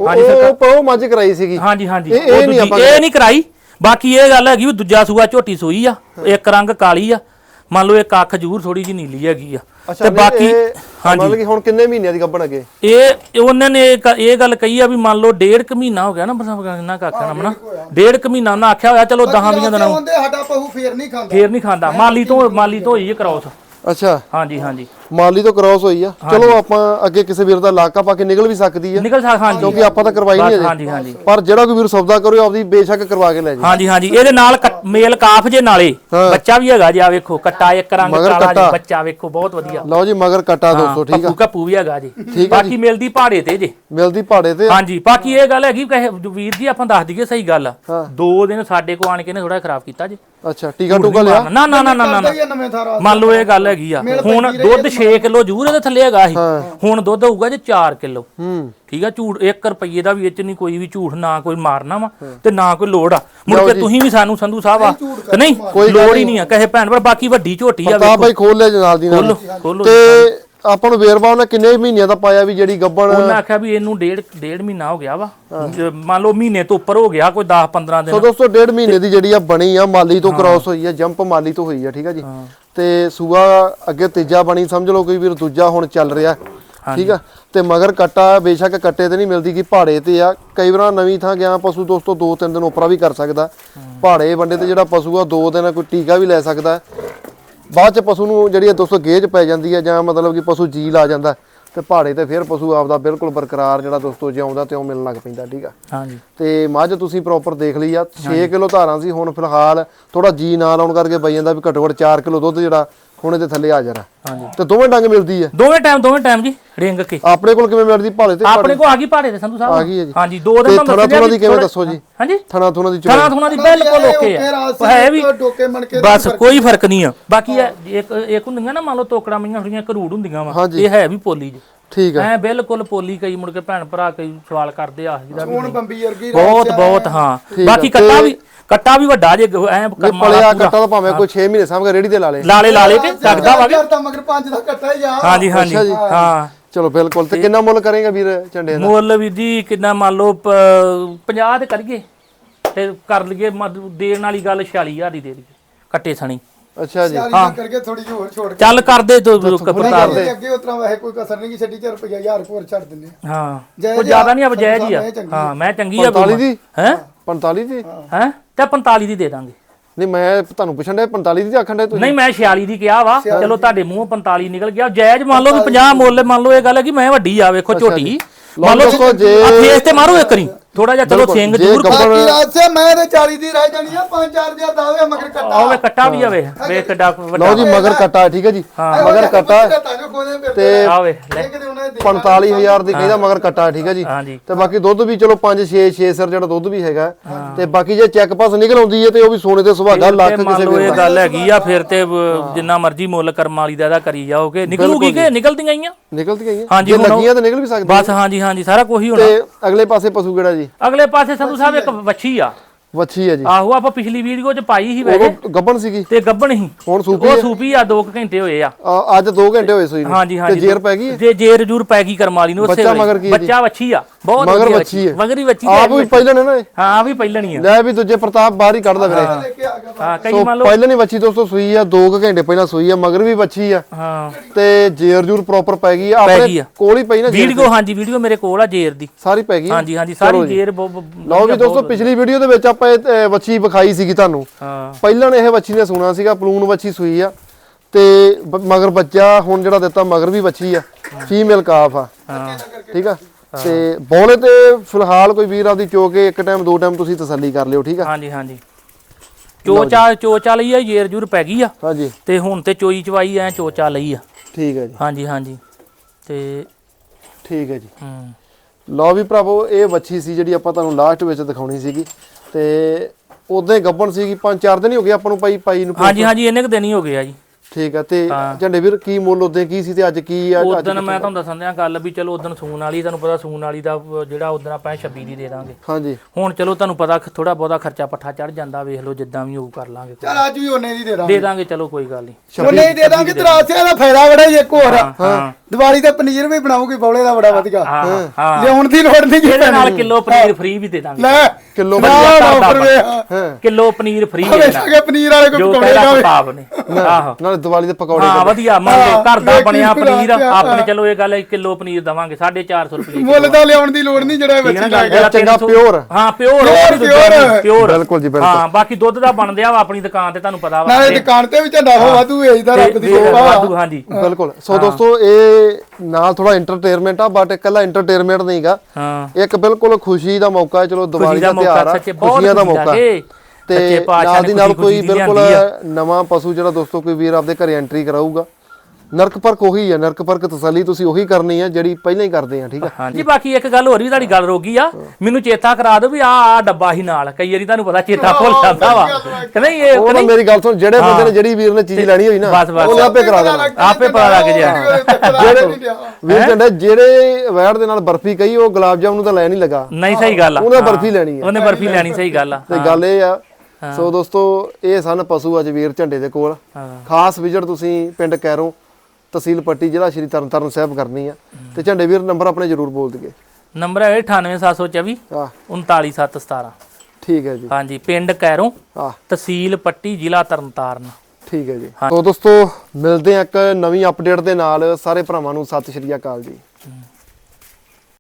Speaker 1: ਉਹ ਉਹ ਮੱਝ ਕਰਾਈ ਸੀਗੀ
Speaker 2: ਹਾਂਜੀ ਹਾਂਜੀ
Speaker 1: ਇਹ ਨਹੀਂ
Speaker 2: ਆਪਾਂ ਇਹ ਨਹੀਂ ਕਰਾਈ ਬਾਕੀ ਇਹ ਗੱਲ ਹੈਗੀ ਵੀ ਦੂਜਾ ਸੂਆ ਝੋਟੀ ਸੂਈ ਆ ਇੱਕ ਰੰਗ ਕਾਲੀ ਆ ਮੰਨ ਲਓ ਇੱਕ ਅੱਖ ਜ਼ਰੂਰ ਥੋੜੀ ਜਿਹੀ ਨੀਲੀ ਹੈਗੀ ਆ ਤੇ ਬਾਕੀ
Speaker 1: ਹਾਂਜੀ ਮਤਲਬ ਕਿ ਹੁਣ ਕਿੰਨੇ ਮਹੀਨਿਆਂ ਦੀ ਗੱਭਣ ਅੱਗੇ
Speaker 2: ਇਹ ਉਹਨਾਂ ਨੇ ਇਹ ਗੱਲ ਕਹੀ ਆ ਵੀ ਮੰਨ ਲਓ ਡੇਢ ਕੁ ਮਹੀਨਾ ਹੋ ਗਿਆ ਨਾ ਬਸ ਇਹਨਾਂ ਕਾਕਾ ਨਾ ਡੇਢ ਕੁ ਮਹੀਨਾ ਉਹਨਾਂ ਆਖਿਆ ਹੋਇਆ ਚਲੋ ਦਸਾਂ ਵੀਹਾਂ ਦਿਨਾਂ ਨੂੰ
Speaker 3: ਸਾਡਾ ਪਹੂ ਫੇਰ ਨਹੀਂ ਖਾਂਦਾ
Speaker 2: ਫੇਰ ਨਹੀਂ ਖਾਂਦਾ ਮਾਲੀ ਤੋਂ ਮਾਲੀ ਤੋਂ ਹੋਈ ਹੈ ਕ੍ਰੋਸ
Speaker 1: ਅੱਛਾ
Speaker 2: ਹਾਂਜੀ ਹਾਂਜੀ
Speaker 1: ਮਾਲੀ ਤੋਂ ਕ੍ਰਾਸ ਹੋਈ ਆ ਚਲੋ ਆਪਾਂ ਅੱਗੇ ਕਿਸੇ ਵੀਰ ਦਾ ਇਲਾਕਾ ਪਾ ਕੇ ਨਿਕਲ ਵੀ ਸਕਦੀ ਆ
Speaker 2: ਨਿਕਲ ਸਕਦਾ ਹਾਂਜੀ
Speaker 1: ਕਿਉਂਕਿ ਆਪਾਂ ਤਾਂ ਕਰਵਾਈ ਨਹੀਂ ਅਜੇ
Speaker 2: ਹਾਂਜੀ ਹਾਂਜੀ
Speaker 1: ਪਰ ਜਿਹੜਾ ਕੋਈ ਵੀਰ ਸੌਦਾ ਕਰੇ ਆਪਦੀ ਬੇਸ਼ੱਕ ਕਰਵਾ ਕੇ ਲੈ ਜੀ
Speaker 2: ਹਾਂਜੀ ਹਾਂਜੀ ਇਹਦੇ ਨਾਲ ਮੇਲ ਕਾਫ ਜੇ ਨਾਲੇ ਬੱਚਾ ਵੀ ਹੈਗਾ ਜੀ ਆ ਵੇਖੋ ਕੱਟਾ ਇੱਕ ਰੰਗ ਕਾਲਾ ਜੀ ਬੱਚਾ ਵੇਖੋ ਬਹੁਤ ਵਧੀਆ
Speaker 1: ਲਓ ਜੀ ਮਗਰ ਕੱਟਾ ਦੋਸਤੋ ਠੀਕ ਆ
Speaker 2: ਕੱਪੂ ਵੀ ਹੈਗਾ ਜੀ ਬਾਕੀ ਮਿਲਦੀ ਪਹਾੜੇ ਤੇ ਜੇ
Speaker 1: ਮਿਲਦੀ ਪਹਾੜੇ ਤੇ
Speaker 2: ਹਾਂਜੀ ਬਾਕੀ ਇਹ ਗੱਲ ਹੈਗੀ ਕਹੇ ਵੀਰ ਜੀ ਆਪਾਂ ਦੱਸ ਦਈਏ ਸਹੀ ਗੱਲ ਆ ਦੋ ਦਿਨ ਸਾਡੇ ਕੋ ਆਣ ਕੇ ਨੇ ਥੋੜਾ ਖਰਾਬ ਕੀਤਾ ਜੀ
Speaker 1: ਅੱਛਾ ਟੀਕਾ ਟੂਕਾ ਲਿਆ
Speaker 2: ਨਾ ਨਾ ਨਾ ਨਾ ਮੰਨ ਲਓ ਇਹ ਗੱਲ ਹੈਗੀ ਆ ਹੁਣ ਦੁੱਧ ਛੇ ਕਿਲੋ ਜ਼ਰੂਰ ਇਹਦੇ ਥੱਲੇ ਹੈਗਾ ਸੀ ਹੁਣ ਦੁੱਧ ਹੋਊਗਾ ਜੀ ਚਾਰ ਕਿਲੋ
Speaker 1: ਹੂੰ
Speaker 2: ਠੀਕ ਆ ਝੂਠ ਇੱਕ ਰੁਪਈਏ ਦਾ ਵੀ ਵਿੱਚ ਨਹੀਂ ਕੋਈ ਵੀ ਝੂਠ ਨਾ ਕੋਈ ਮਾਰਨਾ ਵਾ ਤੇ ਨਾ ਕੋਈ ਲੋੜ ਆ ਮੁੜ ਕੇ ਤੁਸੀਂ ਵੀ ਸਾਨੂੰ ਸੰਧੂ ਸਾਹਿਬ ਆ ਤੇ ਨਹੀਂ ਕੋਈ ਲੋੜ ਹੀ ਨਹੀਂ ਆ ਕਹੇ ਭੈਣ ਪਰ ਬਾਕੀ ਵੱਡੀ ਝੋਟੀ ਆ
Speaker 1: ਤਾਂ ਬਾਈ ਖੋਲ ਲੈ ਨਾਲ ਦੀ ਨਾਲ
Speaker 2: ਖੋਲੋ
Speaker 1: ਤੇ ਆਪਾਂ ਨੂੰ ਵੇਰਵਾ ਉਹਨੇ ਕਿੰਨੇ ਮਹੀਨਿਆਂ ਦਾ ਪਾਇਆ ਵੀ ਜਿਹੜੀ ਗੱਬਣ
Speaker 2: ਉਹਨਾਂ ਆਖਿਆ ਵੀ ਇਹਨੂੰ ਡੇਢ ਡੇਢ ਮਹੀਨਾ ਹੋ ਗਿਆ ਵਾ ਜੇ ਮੰਨ ਲਓ ਮਹੀਨੇ ਤੋਂ ਉੱਪਰ ਹੋ ਗਿਆ ਕੋਈ ਦਸ ਪੰਦਰਾਂ
Speaker 1: ਸੋ
Speaker 2: ਦਿਨ
Speaker 1: ਦੋਸਤੋ ਡੇਢ ਮਹੀਨੇ ਦੀ ਜਿਹੜੀ ਆ ਬਣੀ ਆ ਮਾਲੀ ਤੋਂ ਕ੍ਰਾਸ ਹੋਈ ਆ ਜੰਪ ਮਾਲੀ ਤੋਂ ਹੋਈ ਆ ਠੀਕ ਆ ਜੀ ਤੇ ਸੂਆ ਅੱਗੇ ਤੀਜਾ ਬਣੀ ਸਮਝ ਲਓ ਕੋਈ ਵੀਰ ਦੂਜਾ ਹੁਣ ਚੱਲ ਰਿਹਾ ਠੀਕ ਆ ਤੇ ਮਗਰ ਕੱਟਾ ਬੇਸ਼ੱਕ ਕੱਟੇ ਤੇ ਨਹੀਂ ਮਿਲਦੀ ਕਿ ਪਹਾੜੇ ਤੇ ਆ ਕਈ ਵਾਰ ਨਵੀਂ ਥਾਂ ਗਿਆ ਪਸ਼ੂ ਦੋਸਤੋ ਦੋ ਤਿੰਨ ਦਿਨ ਉਪਰਾ ਵੀ ਕਰ ਸਕਦਾ ਪਹਾੜੇ ਵੰਡੇ ਤੇ ਜਿਹੜਾ ਪਸ਼ੂ ਆ ਦੋ ਦਿਨ ਕੋਈ ਟੀਕਾ ਵੀ ਲੈ ਸਕਦਾ ਬਾਅਦ ਚ ਪਸ਼ੂ ਨੂੰ ਜਿਹੜੀ ਦੋਸਤੋ ਗੇਜ ਪੈ ਜਾਂਦੀ ਹੈ ਜਾਂ ਮਤਲਬ ਕਿ ਪਸ਼ੂ ਜੀ ਲਾ ਜਾਂਦਾ ਤੇ ਪਹਾੜੇ ਤੇ ਫਿਰ ਪਸ਼ੂ ਆਪਦਾ ਬਿਲਕੁਲ ਬਰਕਰਾਰ ਜਿਹੜਾ ਦੋਸਤੋ ਜਿਉਂਦਾ ਤੇ ਉਹ ਮਿਲਣ ਲੱਗ ਪੈਂਦਾ ਠੀਕ ਆ
Speaker 2: ਹਾਂਜੀ
Speaker 1: ਤੇ ਮੱਝ ਤੁਸੀਂ ਪ੍ਰੋਪਰ ਦੇਖ ਲਈ ਆ ਛੇ ਕਿਲੋ ਧਾਰਾਂ ਸੀ ਹੁਣ ਫਿਲਹਾਲ ਥੋੜਾ ਜੀ ਨਾ ਲਾਉਣ ਕਰਕੇ ਬਈ ਜਾਂਦਾ ਵੀ ਘੱਟੋ ਘੱਟ ਚਾਰ ਕਿਲੋ ਦੁੱਧ ਜਿਹੜਾ ਹੁਣ ਇਹਦੇ ਥੱਲੇ ਆ ਜਾਣਾ
Speaker 2: ਹਾਂਜੀ
Speaker 1: ਤੇ ਦੋਵੇਂ ਡੰਗ ਮਿਲਦੀ ਆ
Speaker 2: ਦੋਵੇਂ ਟਾਈਮ ਦੋਵੇਂ ਟਾਈਮ ਜੀ ਰਿੰਗ ਕੇ
Speaker 1: ਆਪਣੇ ਕੋਲ ਕਿਵੇਂ ਮਿਲਦੀ ਭਾਲੇ ਤੇ
Speaker 2: ਆਪਣੇ ਕੋ ਆ ਗਈ ਪਹਾੜੇ ਤੇ ਸੰਧੂ ਸਾਹਿਬ
Speaker 1: ਆ ਗਈ ਹੈ ਜੀ।
Speaker 2: ਹਾਂਜੀ ਦੋ
Speaker 1: ਤੇ
Speaker 2: ਦਿਨ
Speaker 1: ਥਣਾ ਥੁਣਾ ਦੀ ਕਿਵੇਂ ਦੱਸੋ ਜੀ
Speaker 2: ਹਾਂਜੀ
Speaker 1: ਥਣਾ ਥੁਣਾ ਦੀ
Speaker 2: ਥਣਾ ਥੁਣਾ ਦੀ ਬਿਲਕੁਲ ਓਕੇ ਆ ਹੈ ਵੀ
Speaker 3: ਡੋਕੇ ਮਣ ਕੇ
Speaker 2: ਬਸ ਕੋਈ ਫਰਕ ਨਹੀਂ ਆ ਬਾਕੀ ਇਹ ਇੱਕ ਇੱਕ ਹੁੰਦੀਆਂ ਨਾ ਮੰਨ ਲਓ ਤੋਕੜਾ ਮਈਆਂ ਥੋੜੀਆਂ ਕਰੂੜ ਹੁੰਦੀਆਂ ਵਾ ਇਹ ਹੈ ਵੀ ਪੋਲੀ ਜੀ
Speaker 1: ਠੀਕ ਆ
Speaker 2: ਐ ਬਿਲਕੁਲ ਪੋਲੀ ਕਈ ਮੁੜ ਕੇ ਭੈਣ ਭਰਾ ਕਈ ਸਵਾਲ ਕਰਦੇ ਆ ਜਿਹਦਾ
Speaker 3: ਹੁਣ ਬੰਬੀ ਵਰਗੀ
Speaker 2: ਬਹੁਤ ਬਹੁਤ ਹਾਂ ਬਾਕੀ ਕੱਟਾ ਵੀ ਕੱਟਾ ਵੀ ਵੱਡਾ ਜੇ ਐ
Speaker 1: ਪਲਿਆ ਕੱਟਾ ਤਾਂ ਭਾਵੇਂ ਕੋਈ ਛੇ ਮਹੀਨੇ ਸਾਹਮਣੇ ਰੇੜੀ ਤੇ ਲਾ ਲੇ
Speaker 2: ਲਾਲੇ ਲਾਲੇ ਤੇ ਲੱਗਦਾ ਵਾ
Speaker 3: ਯਾਰ ਤਾਂ ਮਗਰ ਪੰਜ ਦਾ ਕੱਟਾ ਹੀ ਆ
Speaker 2: ਹਾਂਜੀ ਹਾਂਜੀ ਹਾਂ
Speaker 1: ਚਲੋ ਬਿਲਕੁਲ ਤੇ ਕਿੰਨਾ ਮੁੱਲ ਕਰੇਗਾ ਵੀਰ ਝੰਡੇ ਦਾ
Speaker 2: ਮੁੱਲ ਵੀ ਜੀ ਕਿੰਨਾ ਮੰਨ ਲਓ ਪੰਜਾਹ ਤੇ ਕਰੀਏ ਤੇ ਕਰ ਲਈਏ ਦੇਣ ਵਾਲੀ ਗੱਲ ਛਿਆਲੀ ਹਜ਼ਾਰ ਦੀ ਦੇ ਦਈਏ ਕੱਟੇ ਸਣੀ
Speaker 1: ਅੱਛਾ ਜੀ
Speaker 3: ਹਾਂ ਕਰਕੇ ਥੋੜੀ ਜਿਹੀ ਹੋਰ ਛੋੜ ਕੇ
Speaker 2: ਚੱਲ ਕਰਦੇ ਤੋ
Speaker 3: ਬਤਾ ਦੇ ਅੱਗੇ ਉਤਰਾ ਵੈਸੇ ਕੋਈ ਕਸਰ ਨਹੀਂ ਕਿ ਛੱਡੀ ਚ ਰੁਪਿਆ ਹਜ਼ਾਰ ਹੋਰ ਛੱਡ ਦਿੰਦੇ
Speaker 2: ਹਾਂ ਕੋਈ ਜ਼ਿਆਦਾ ਨਹੀਂ ਆ ਜਾਇਜ਼ ਹੀ ਆ ਹਾਂ ਮੈਂ ਚੰਗੀ ਆ
Speaker 1: ਪੰਤਾਲੀ ਦੀ
Speaker 2: ਹੈ
Speaker 1: ਪੰਤਾਲੀ ਦੀ
Speaker 2: ਹੈ ਤੇ ਪੰਤਾਲੀ ਦੀ ਦੇ ਦਾਂਗੇ
Speaker 1: ਨਹੀਂ ਮੈਂ ਤੁਹਾਨੂੰ ਪੁੱਛਣ ਡਿਆ ਪੰਤਾਲੀ ਦੀ ਆਖਣ ਡਿਆ ਤੁਸੀਂ
Speaker 2: ਨਹੀਂ ਮੈਂ ਛਿਆਲੀ ਦੀ ਕਿਹਾ ਵਾ ਚਲੋ ਤੁਹਾਡੇ ਮੂੰਹੋਂ ਪੰਤਾਲੀ ਨਿਕਲ ਗਿਆ ਜਾਇਜ਼ ਮੰਨ ਲਓ ਵੀ ਪੰਜਾਹ ਮੁੱਲ ਮੰਨ ਲਓ ਇਹ ਗੱਲ ਹੈ ਕਿ ਮੈਂ ਵੱਡੀ ਆ ਵੇਖੋ ਝੋਟੀ ਮੰਨ ਲਓ ਜੇ ਫੇਸ ਤੇ ਮਾਰੋ ਇੱਕ ਰੀ ਥੋੜਾ ਜਿਹਾ ਚਲੋ ਸਿੰਘ ਦੂਰ
Speaker 3: ਬਾਕੀ ਰਾਤ ਸੇ ਮੈਂ ਤੇ ਚਾਲੀ ਦੀ ਰਹਿ ਜਾਣੀ ਆ ਪੰਜ ਚਾਰ ਦੀ ਦਾਵੇ ਮਗਰ ਕੱਟਾ
Speaker 2: ਆਵੇ ਕੱਟਾ ਵੀ ਆਵੇ ਵੇਖ ਕਿੱਡਾ ਵੱਡਾ
Speaker 1: ਲਓ ਜੀ ਮਗਰ ਕੱਟਾ ਠੀਕ ਹੈ ਜੀ ਮਗਰ ਕੱਟਾ ਤੇ
Speaker 2: ਆਵੇ
Speaker 1: ਪੰਤਾਲੀ ਹਜ਼ਾਰ ਦੀ ਕਹਿੰਦਾ ਮਗਰ ਕੱਟਾ ਠੀਕ ਹੈ ਜੀ
Speaker 2: ਹਾਂਜੀ
Speaker 1: ਤੇ ਬਾਕੀ ਦੁੱਧ ਵੀ ਚਲੋ ਪੰਜ ਛੇ ਛੇ ਸਰ ਜਿਹੜਾ ਦੁੱਧ ਵੀ ਹੈਗਾ ਤੇ ਬਾਕੀ ਜੇ ਚੈੱਕ ਪਾਸ ਨਿਕਲ ਆਉਂਦੀ ਹੈ ਤੇ ਉਹ ਵੀ ਸੋਨੇ ਤੇ ਸੁਹਾਗਾ ਲੱਖ ਕਿਸੇ
Speaker 2: ਵੀ ਇਹ ਗੱਲ ਹੈਗੀ ਆ ਫਿਰ ਤੇ ਜਿੰਨਾ ਮਰਜ਼ੀ ਮੁੱਲ ਕਰਮ ਵਾਲੀ ਦਾ ਇਹਦਾ ਕਰੀ ਜਾਓਗੇ ਨਿਕਲੂਗੀ ਕਿ ਨਿਕਲਦੀਆਂ ਆਈਆਂ
Speaker 1: ਨਿਕਲਦੀਆਂ ਆਈਆਂ
Speaker 2: ਹਾਂਜੀ
Speaker 1: ਜੇ ਲੱਗੀਆਂ ਤਾਂ ਨਿਕਲ ਵੀ ਸਕਦੀਆਂ
Speaker 2: ਬਸ ਹਾਂਜੀ ਹਾਂਜੀ ਸਾਰਾ ਕੁਝ ਹੀ ਹੋਣਾ
Speaker 1: ਤੇ ਅਗਲੇ ਪਾਸੇ ਪਸ਼ੂ ਕਿਹੜਾ ਜੀ
Speaker 2: ਅਗਲੇ ਪਾਸੇ ਸੰਧੂ ਸਾਹਿਬ ਇੱਕ ਵੱਛੀ ਆ
Speaker 1: ਵੱਛੀ ਹੈ ਜੀ
Speaker 2: ਆਹੋ ਆਪਾਂ ਪਿਛਲੀ ਵੀਡੀਓ ਚ ਪਾਈ ਸੀ ਵੈਸੇ
Speaker 1: ਉਹ ਗੱਬਣ ਸੀਗੀ
Speaker 2: ਤੇ ਗੱਬਣ ਸੀ
Speaker 1: ਹੁਣ ਸੂਪੀ
Speaker 2: ਉਹ ਸੂਪੀ ਆ ਦੋ ਘੰਟੇ ਹੋਏ ਆ
Speaker 1: ਆ, ਅੱਜ ਦੋ ਘੰਟੇ ਹੋਏ ਸੂਈ ਨੂੰ
Speaker 2: ਹਾਂਜੀ
Speaker 1: ਤੇ
Speaker 2: ਹਾਂਜੀ
Speaker 1: ਜੇਰ ਪੈ ਗਈ ਹੈ?
Speaker 2: ਜੇ ਜੇਰ ਜੂਰ ਪੈ ਗਈ ਕਰਮਾਲੀ ਨੂੰ ਉਸੇ
Speaker 1: ਬੱਚਾ ਮਗਰ ਕੀ ਹੈ ਜੀ?
Speaker 2: ਬੱਚਾ ਵੱਛੀ ਆ ਬਹੁਤ
Speaker 1: ਮਗਰ
Speaker 2: ਵਧੀਆ
Speaker 1: ਵੱਛੀ ਹੈ।
Speaker 2: ਮਗਰੀ ਵੱਛੀ
Speaker 1: ਆਪ ਵੀ ਪਹਿਲਾਂ ਨੇ ਨਾ ਇਹ?
Speaker 2: ਹਾਂ ਵੀ ਪਹਿਲਣੀ ਆ
Speaker 1: ਲੈ ਵੀ ਦੂਜੇ ਪ੍ਰਤਾਪ ਬਾਹਰ ਹੀ ਕੱਢਦਾ ਫਿਰੇ
Speaker 2: ਹਾਂ ਕਈ
Speaker 1: ਸੋ
Speaker 2: ਮੰਨ ਲਓ
Speaker 1: ਪਹਿਲਾਂ ਨਹੀਂ ਵੱਛੀ ਦੋਸਤੋ ਸੂਈ ਆ ਦੋ ਕੁ ਘੰਟੇ ਪਹਿਲਾਂ ਸੂਈ ਆ ਮਗਰ ਵੀ ਵੱਛੀ ਆ
Speaker 2: ਹਾਂ
Speaker 1: ਤੇ ਜੇਰ ਜੂਰ ਪ੍ਰੋਪਰ ਪੈ ਗਈ ਆ
Speaker 2: ਪੈ ਗਈ
Speaker 1: ਆਪਣੇ
Speaker 2: ਆ।
Speaker 1: ਕੋਲ ਹੀ ਪਈ ਨਾ ਜੇਰ
Speaker 2: ਵੀਡੀਓ ਹਾਂਜੀ ਵੀਡੀਓ ਮੇਰੇ ਕੋਲ ਆ ਜੇਰ ਦੀ
Speaker 1: ਸਾਰੀ ਪੈ ਗਈ
Speaker 2: ਹਾਂਜੀ ਹਾਂਜੀ ਸਾਰੀ ਜੇਰ ਬਹੁਤ
Speaker 1: ਲਓ ਵੀ ਦੋਸਤੋ ਪਿਛਲੀ ਵੀਡੀਓ ਦੇ ਵਿੱਚ ਆਪਾਂ ਇਹ ਅਹ, ਵੱਛੀ ਵਿਖਾਈ ਸੀਗੀ ਤੁਹਾਨੂੰ
Speaker 2: ਹਾਂ
Speaker 1: ਪਹਿਲਾਂ ਨੇ ਇਹ ਵੱਛੀ ਨੇ ਸੁਣਾ ਸੀਗਾ ਪਲੂਨ ਵੱਛੀ ਸੂਈ ਆ ਤੇ ਬ- ਮਗਰ ਬੱਚਾ ਹੁਣ ਜਿਹੜਾ ਦਿੱਤਾ ਮਗਰ ਵੀ ਵੱਛੀ ਆ ਫੀਮੇਲ ਕਾਫ ਆ
Speaker 2: ਹਾਂ
Speaker 1: ਠੀਕ ਆ ਤੇ ਬੋਲੇ ਤੇ ਫਿਲਹਾਲ ਕੋਈ ਵੀਰ ਆਪਦੀ ਚੋ ਕੇ ਇੱਕ ਟਾਈਮ ਦੋ ਟਾਈਮ ਤੁਸੀਂ ਤਸੱਲੀ ਕਰ ਲਿਓ ਠੀਕ ਆ
Speaker 2: ਹਾਂਜੀ ਹਾਂਜੀ ਚੋਚਾ ਚੋਚਾ ਲਈ ਆ ਜੇਰ ਜੂਰ ਪੈ ਗਈ ਆ
Speaker 1: ਹਾਂਜੀ
Speaker 2: ਤੇ ਹੁਣ ਤੇ ਚੋਈ ਚਵਾਈ ਐ ਚੋਚਾ ਲਈ ਆ
Speaker 1: ਠੀਕ ਹੈ ਜੀ
Speaker 2: ਹਾਂਜੀ ਹਾਂਜੀ ਤੇ
Speaker 1: ਠੀਕ ਹੈ ਜੀ
Speaker 2: ਹੂੰ
Speaker 1: ਲਓ ਵੀ ਭਰਾਵੋ ਇਹ ਵੱਛੀ ਸੀ ਜਿਹੜੀ ਆਪਾਂ ਤੁਹਾਨੂੰ ਲਾਸਟ ਵਿੱਚ ਦਿਖਾਉਣੀ ਸੀਗੀ ਤੇ ਉਦਾਂ ਹੀ ਗੱਬਣ ਸੀਗੀ ਪੰਜ ਚਾਰ ਦਿਨ ਹੀ ਹੋ ਗਏ ਆਪਾਂ ਨੂੰ ਪਾਈ ਪਾਈ ਨੂੰ
Speaker 2: ਹਾਂਜੀ ਹਾਂਜੀ ਇੰਨੇ ਕੁ ਦਿਨ ਹੀ ਹੋ ਗਏ ਆ ਜੀ
Speaker 1: ਠੀਕ ਆ ਤੇ ਝੰਡੇ ਵੀਰ ਕੀ ਮੁੱਲ ਉਦੋਂ ਕੀ ਸੀ ਤੇ ਅੱਜ ਕੀ ਆ
Speaker 2: ਉਦੋਂ ਮੈਂ ਤੁਹਾਨੂੰ ਦੱਸਣ ਦਿਆਂ ਗੱਲ ਵੀ ਚਲੋ ਉਦੋਂ ਸੂਣ ਵਾਲੀ ਤੁਹਾਨੂੰ ਪਤਾ ਸੂਣ ਵਾਲੀ ਦਾ ਜਿਹੜਾ ਉਦੋਂ ਆਪਾਂ ਛੱਬੀ ਦੀ ਦੇ ਦਾਂਗੇ
Speaker 1: ਹਾਂਜੀ
Speaker 2: ਹੁਣ ਚਲੋ ਤੁਹਾਨੂੰ ਪਤਾ ਥੋੜਾ ਬਹੁਤਾ ਖਰਚਾ ਪੱਠਾ ਚੜ ਜਾਂਦਾ ਵੇਖ ਲਓ ਜਿੱਦਾਂ ਵੀ ਉਹ ਕਰ ਲਾਂਗੇ
Speaker 3: ਚਲ ਅੱਜ ਵੀ ਉਹਨੇ ਦੀ ਦੇ ਦਾਂਗੇ
Speaker 2: ਦੇ ਦਾਂਗੇ ਚਲੋ ਕੋਈ ਗੱਲ ਨਹੀਂ
Speaker 3: ਉਹਨੇ ਹੀ ਦੇ ਦਾਂਗੇ ਤਰਾਸਿਆ ਦਾ ਫਾਇਦਾ ਬੜਾ ਹੀ ਇੱਕ ਹੋਰ
Speaker 2: ਹਾਂ
Speaker 3: ਦੀਵਾਲੀ ਤੇ ਪਨੀਰ ਵੀ ਬਣਾਉਗੀ ਬੌਲੇ ਦਾ ਬੜਾ ਵਧੀਆ
Speaker 2: ਹਾਂ ਹਾਂ
Speaker 3: ਲਿਆਉਣ ਦੀ ਲੋੜ ਨਹੀਂ
Speaker 2: ਇਹਦੇ ਨਾਲ ਕਿਲੋ ਪਨੀਰ ਫ੍ਰੀ ਵੀ ਦੇ ਦਾਂਗੇ
Speaker 3: ਲੈ
Speaker 1: ਕਿਲੋ
Speaker 2: ਕਿਲੋ ਪਨੀਰ ਫ੍ਰੀ ਦੇ
Speaker 3: ਹਮੇਸ਼ਾ ਕੇ ਪਨੀਰ ਵਾਲੇ ਕੋ
Speaker 2: ਜੋ
Speaker 3: ਪਕੌੜੇ
Speaker 2: ਕਹਿੰਦਾ
Speaker 3: ਖਾਵੇ
Speaker 2: ਪ੍ਰਤਾਪ ਨੇ ਆਹੋ
Speaker 1: ਨਾਲ ਦੀਵਾਲੀ ਦੇ ਪਕੌੜੇ
Speaker 2: ਹਾਂ ਵਧੀਆ ਮੰਨ ਲਓ ਘਰ ਦਾ
Speaker 3: ਵੇਖੀ
Speaker 2: ਬਣਿਆ
Speaker 3: ਭਰਾ
Speaker 2: ਪਨੀਰ
Speaker 3: ਕਿਆ
Speaker 2: ਆਪਣੇ ਚਲੋ ਇਹ ਗੱਲ ਕਿਲੋ ਪਨੀਰ ਦਵਾਂਗੇ ਚਾਰ ਸੌ ਪਚਾਸ ਰੁਪਏ
Speaker 3: ਮੁੱਲ ਤਾਂ ਲਿਆਉਣ ਦੀ ਲੋੜ ਨਹੀਂ ਜਿਹੜਾ ਵਿੱਚ ਲੈ ਗਿਆ
Speaker 1: ਚੰਗਾ ਪਿਓਰ
Speaker 2: ਹਾਂ ਪਿਓਰ
Speaker 3: pure,
Speaker 2: ਪਿਓਰ
Speaker 1: ਬਿਲਕੁਲ ਜੀ ਬਿਲਕੁਲ
Speaker 2: ਹਾਂ ਬਾਕੀ ਦੁੱਧ ਦਾ ਬਣਦਿਆ ਵਾ ਆਪਣੀ ਦੁਕਾਨ ਤੇ ਤੁਹਾਨੂੰ ਪਤਾ ਵਾ
Speaker 3: ਨਾਲੇ ਦੁਕਾਨ ਤੇ ਵੀ ਝੰਡਾ ਹੋ ਵਾਧੂ ਵੇਚਦਾ ਰੱਬ ਦੀ ਕਿਰਪਾ
Speaker 2: ਵਾਧੂ ਹਾਂਜੀ
Speaker 1: ਬਿਲਕੁਲ ਸੋ ਦੋਸਤੋ ਇਹ ਨਾਲ ਥੋੜਾ ਐਂਟਰਟੇਨਮੈਂਟ ਆ ਬਟ ਇਕੱਲਾ ਐਂਟਰਟੇਨਮੈਂਟ ਨਹੀਂਗਾ
Speaker 2: ਹਾਂ
Speaker 1: ਇੱਕ ਬਿਲਕੁਲ ਖੁਸ਼ੀ ਦਾ ਮੌਕਾ ਹੈ ਚਲੋ ਦੀਵਾਲੀ ਦਾ
Speaker 2: ਮੌਕਾ
Speaker 1: ਤਿਉਹਾਰ ਆ
Speaker 2: ਸੱਚੇ ਬਹੁਤ
Speaker 1: ਖੁਸ਼ੀਆਂ ਦਾ
Speaker 2: ਖੁਸ਼ੀ
Speaker 1: ਮੌਕਾ
Speaker 2: ਲੱਗੇ।
Speaker 1: ਤੇ
Speaker 2: ਸੱਚੇ ਪਾਤਸ਼ਾਹ
Speaker 1: ਨਾਲ
Speaker 2: ਨੇ
Speaker 1: ਦੀ ਨਾਲ
Speaker 2: ਖੁਸ਼ੀ
Speaker 1: ਕੋਈ
Speaker 2: ਖੁਸ਼ੀ
Speaker 1: ਬਿਲਕੁਲ
Speaker 2: ਲਿਆਂਦੀ ਆ।
Speaker 1: ਨਵਾਂ ਪਸ਼ੂ ਜਿਹੜਾ ਦੋਸਤੋ ਕੋਈ ਵੀਰ ਆਪਦੇ ਘਰੇ ਐਂਟਰੀ ਕਰਾਊਗਾ ਨਰਕ ਪਰਖ ਉਹੀ ਹੈ ਨਰਕ ਪਰਖ ਤਸੱਲੀ ਤੁਸੀਂ ਉਹੀ ਕਰਨੀ ਹੈ ਜਿਹੜੀ ਪਹਿਲਾਂ ਹੀ ਕਰਦੇ ਆ ਠੀਕ ਆ
Speaker 2: ਹਾਂਜੀ ਬਾਕੀ ਇੱਕ ਗੱਲ ਹੋਰ ਵੀ ਤੁਹਾਡੀ ਗੱਲ ਰੋਗੀ ਆ ਮੈਨੂੰ ਚੇਤਾ ਕਰਾ ਦਿਓ ਵੀ ਆ ਆ ਡੱਬਾ ਹੀ ਨਾਲ ਕਈ ਵਾਰੀ ਤੁਹਾਨੂੰ ਪਤਾ ਚੇਤਾ ਭੁੱਲ ਜਾਂਦਾ ਵਾ ਕਿ ਨਹੀਂ ਇਹ
Speaker 1: ਉਹ ਨਾ ਮੇਰੀ ਗੱਲ ਸੁਣ ਜਿਹੜੇ ਬੰਦੇ ਨੇ ਜਿਹੜੀ ਵੀਰ ਨੇ ਚੀਜ਼ ਲੈਣੀ ਹੋਈ ਨਾ
Speaker 2: ਬਸ ਬਸ
Speaker 1: ਉਹਨੇ ਆਪੇ ਕਰਾ ਦੇਣਾ
Speaker 2: ਆਪੇ ਪਤਾ ਲੱਗ ਜਾ
Speaker 1: ਜਿਹੜੇ ਵੀਰ ਕਹਿੰਦੇ ਜਿਹੜੇ ਵੈੜ ਦੇ ਨਾਲ ਬਰਫੀ ਕਹੀ ਉਹ ਗੁਲਾਬ ਜਾਮਨ ਨੂੰ ਤਾਂ ਲੈ ਨਹੀਂ ਲਗਾ
Speaker 2: ਨਹੀਂ ਸਹੀ ਗੱਲ ਆ
Speaker 1: ਉਹਨੇ ਬਰਫੀ ਲੈਣੀ ਹੈ
Speaker 2: ਉਹਨੇ ਬਰਫੀ ਲੈਣੀ ਸਹੀ ਗੱਲ ਆ
Speaker 1: ਤੇ ਗੱਲ ਇਹ ਆ ਸੋ ਦੋਸਤੋ ਇਹ ਸਨ ਪਸ਼ੂ ਅੱਜ ਵੀਰ ਝੰਡੇ ਦੇ ਕੋਲ
Speaker 2: ਹਾਂ
Speaker 1: ਖਾਸ ਵਿਜ਼ਿਟ ਤੁਸੀਂ ਪਿੰਡ ਕੈਰੋਂ ਤਹਿਸੀਲ ਪੱਟੀ ਜ਼ਿਲ੍ਹਾ ਸ਼੍ਰੀ ਤਰਨਤਾਰਨ ਸਾਹਿਬ ਕਰਨੀ ਆ ਤੇ ਝੰਡੇ ਵੀਰ ਨੰਬਰ ਆਪਣੇ ਜ਼ਰੂਰ ਬੋਲ ਦਈਏ।
Speaker 2: ਨੰਬਰ ਹੈ ਅਠਾਨਵੇਂ ਸੱਤ ਸੌ ਚੌਵੀ
Speaker 1: ਹਾਂ
Speaker 2: ਉਨਤਾਲੀ ਸੱਤ ਸਤਾਰਾਂ।
Speaker 1: ਠੀਕ ਹੈ ਜੀ।
Speaker 2: ਹਾਂਜੀ ਪਿੰਡ ਕੈਰੋਂ
Speaker 1: ਹਾਂ
Speaker 2: ਤਹਿਸੀਲ ਪੱਟੀ ਜ਼ਿਲ੍ਹਾ ਤਰਨਤਾਰਨ।
Speaker 1: ਠੀਕ ਹੈ ਜੀ। ਤੋ ਦੋਸਤੋ ਮਿਲਦੇ ਆ ਇੱਕ ਨਵੀਂ ਅਪਡੇਟ ਦੇ ਨਾਲ। ਸਾਰੇ ਭਰਾਵਾਂ ਨੂੰ ਸਤਿ ਸ਼੍ਰੀ ਅਕਾਲ ਜੀ।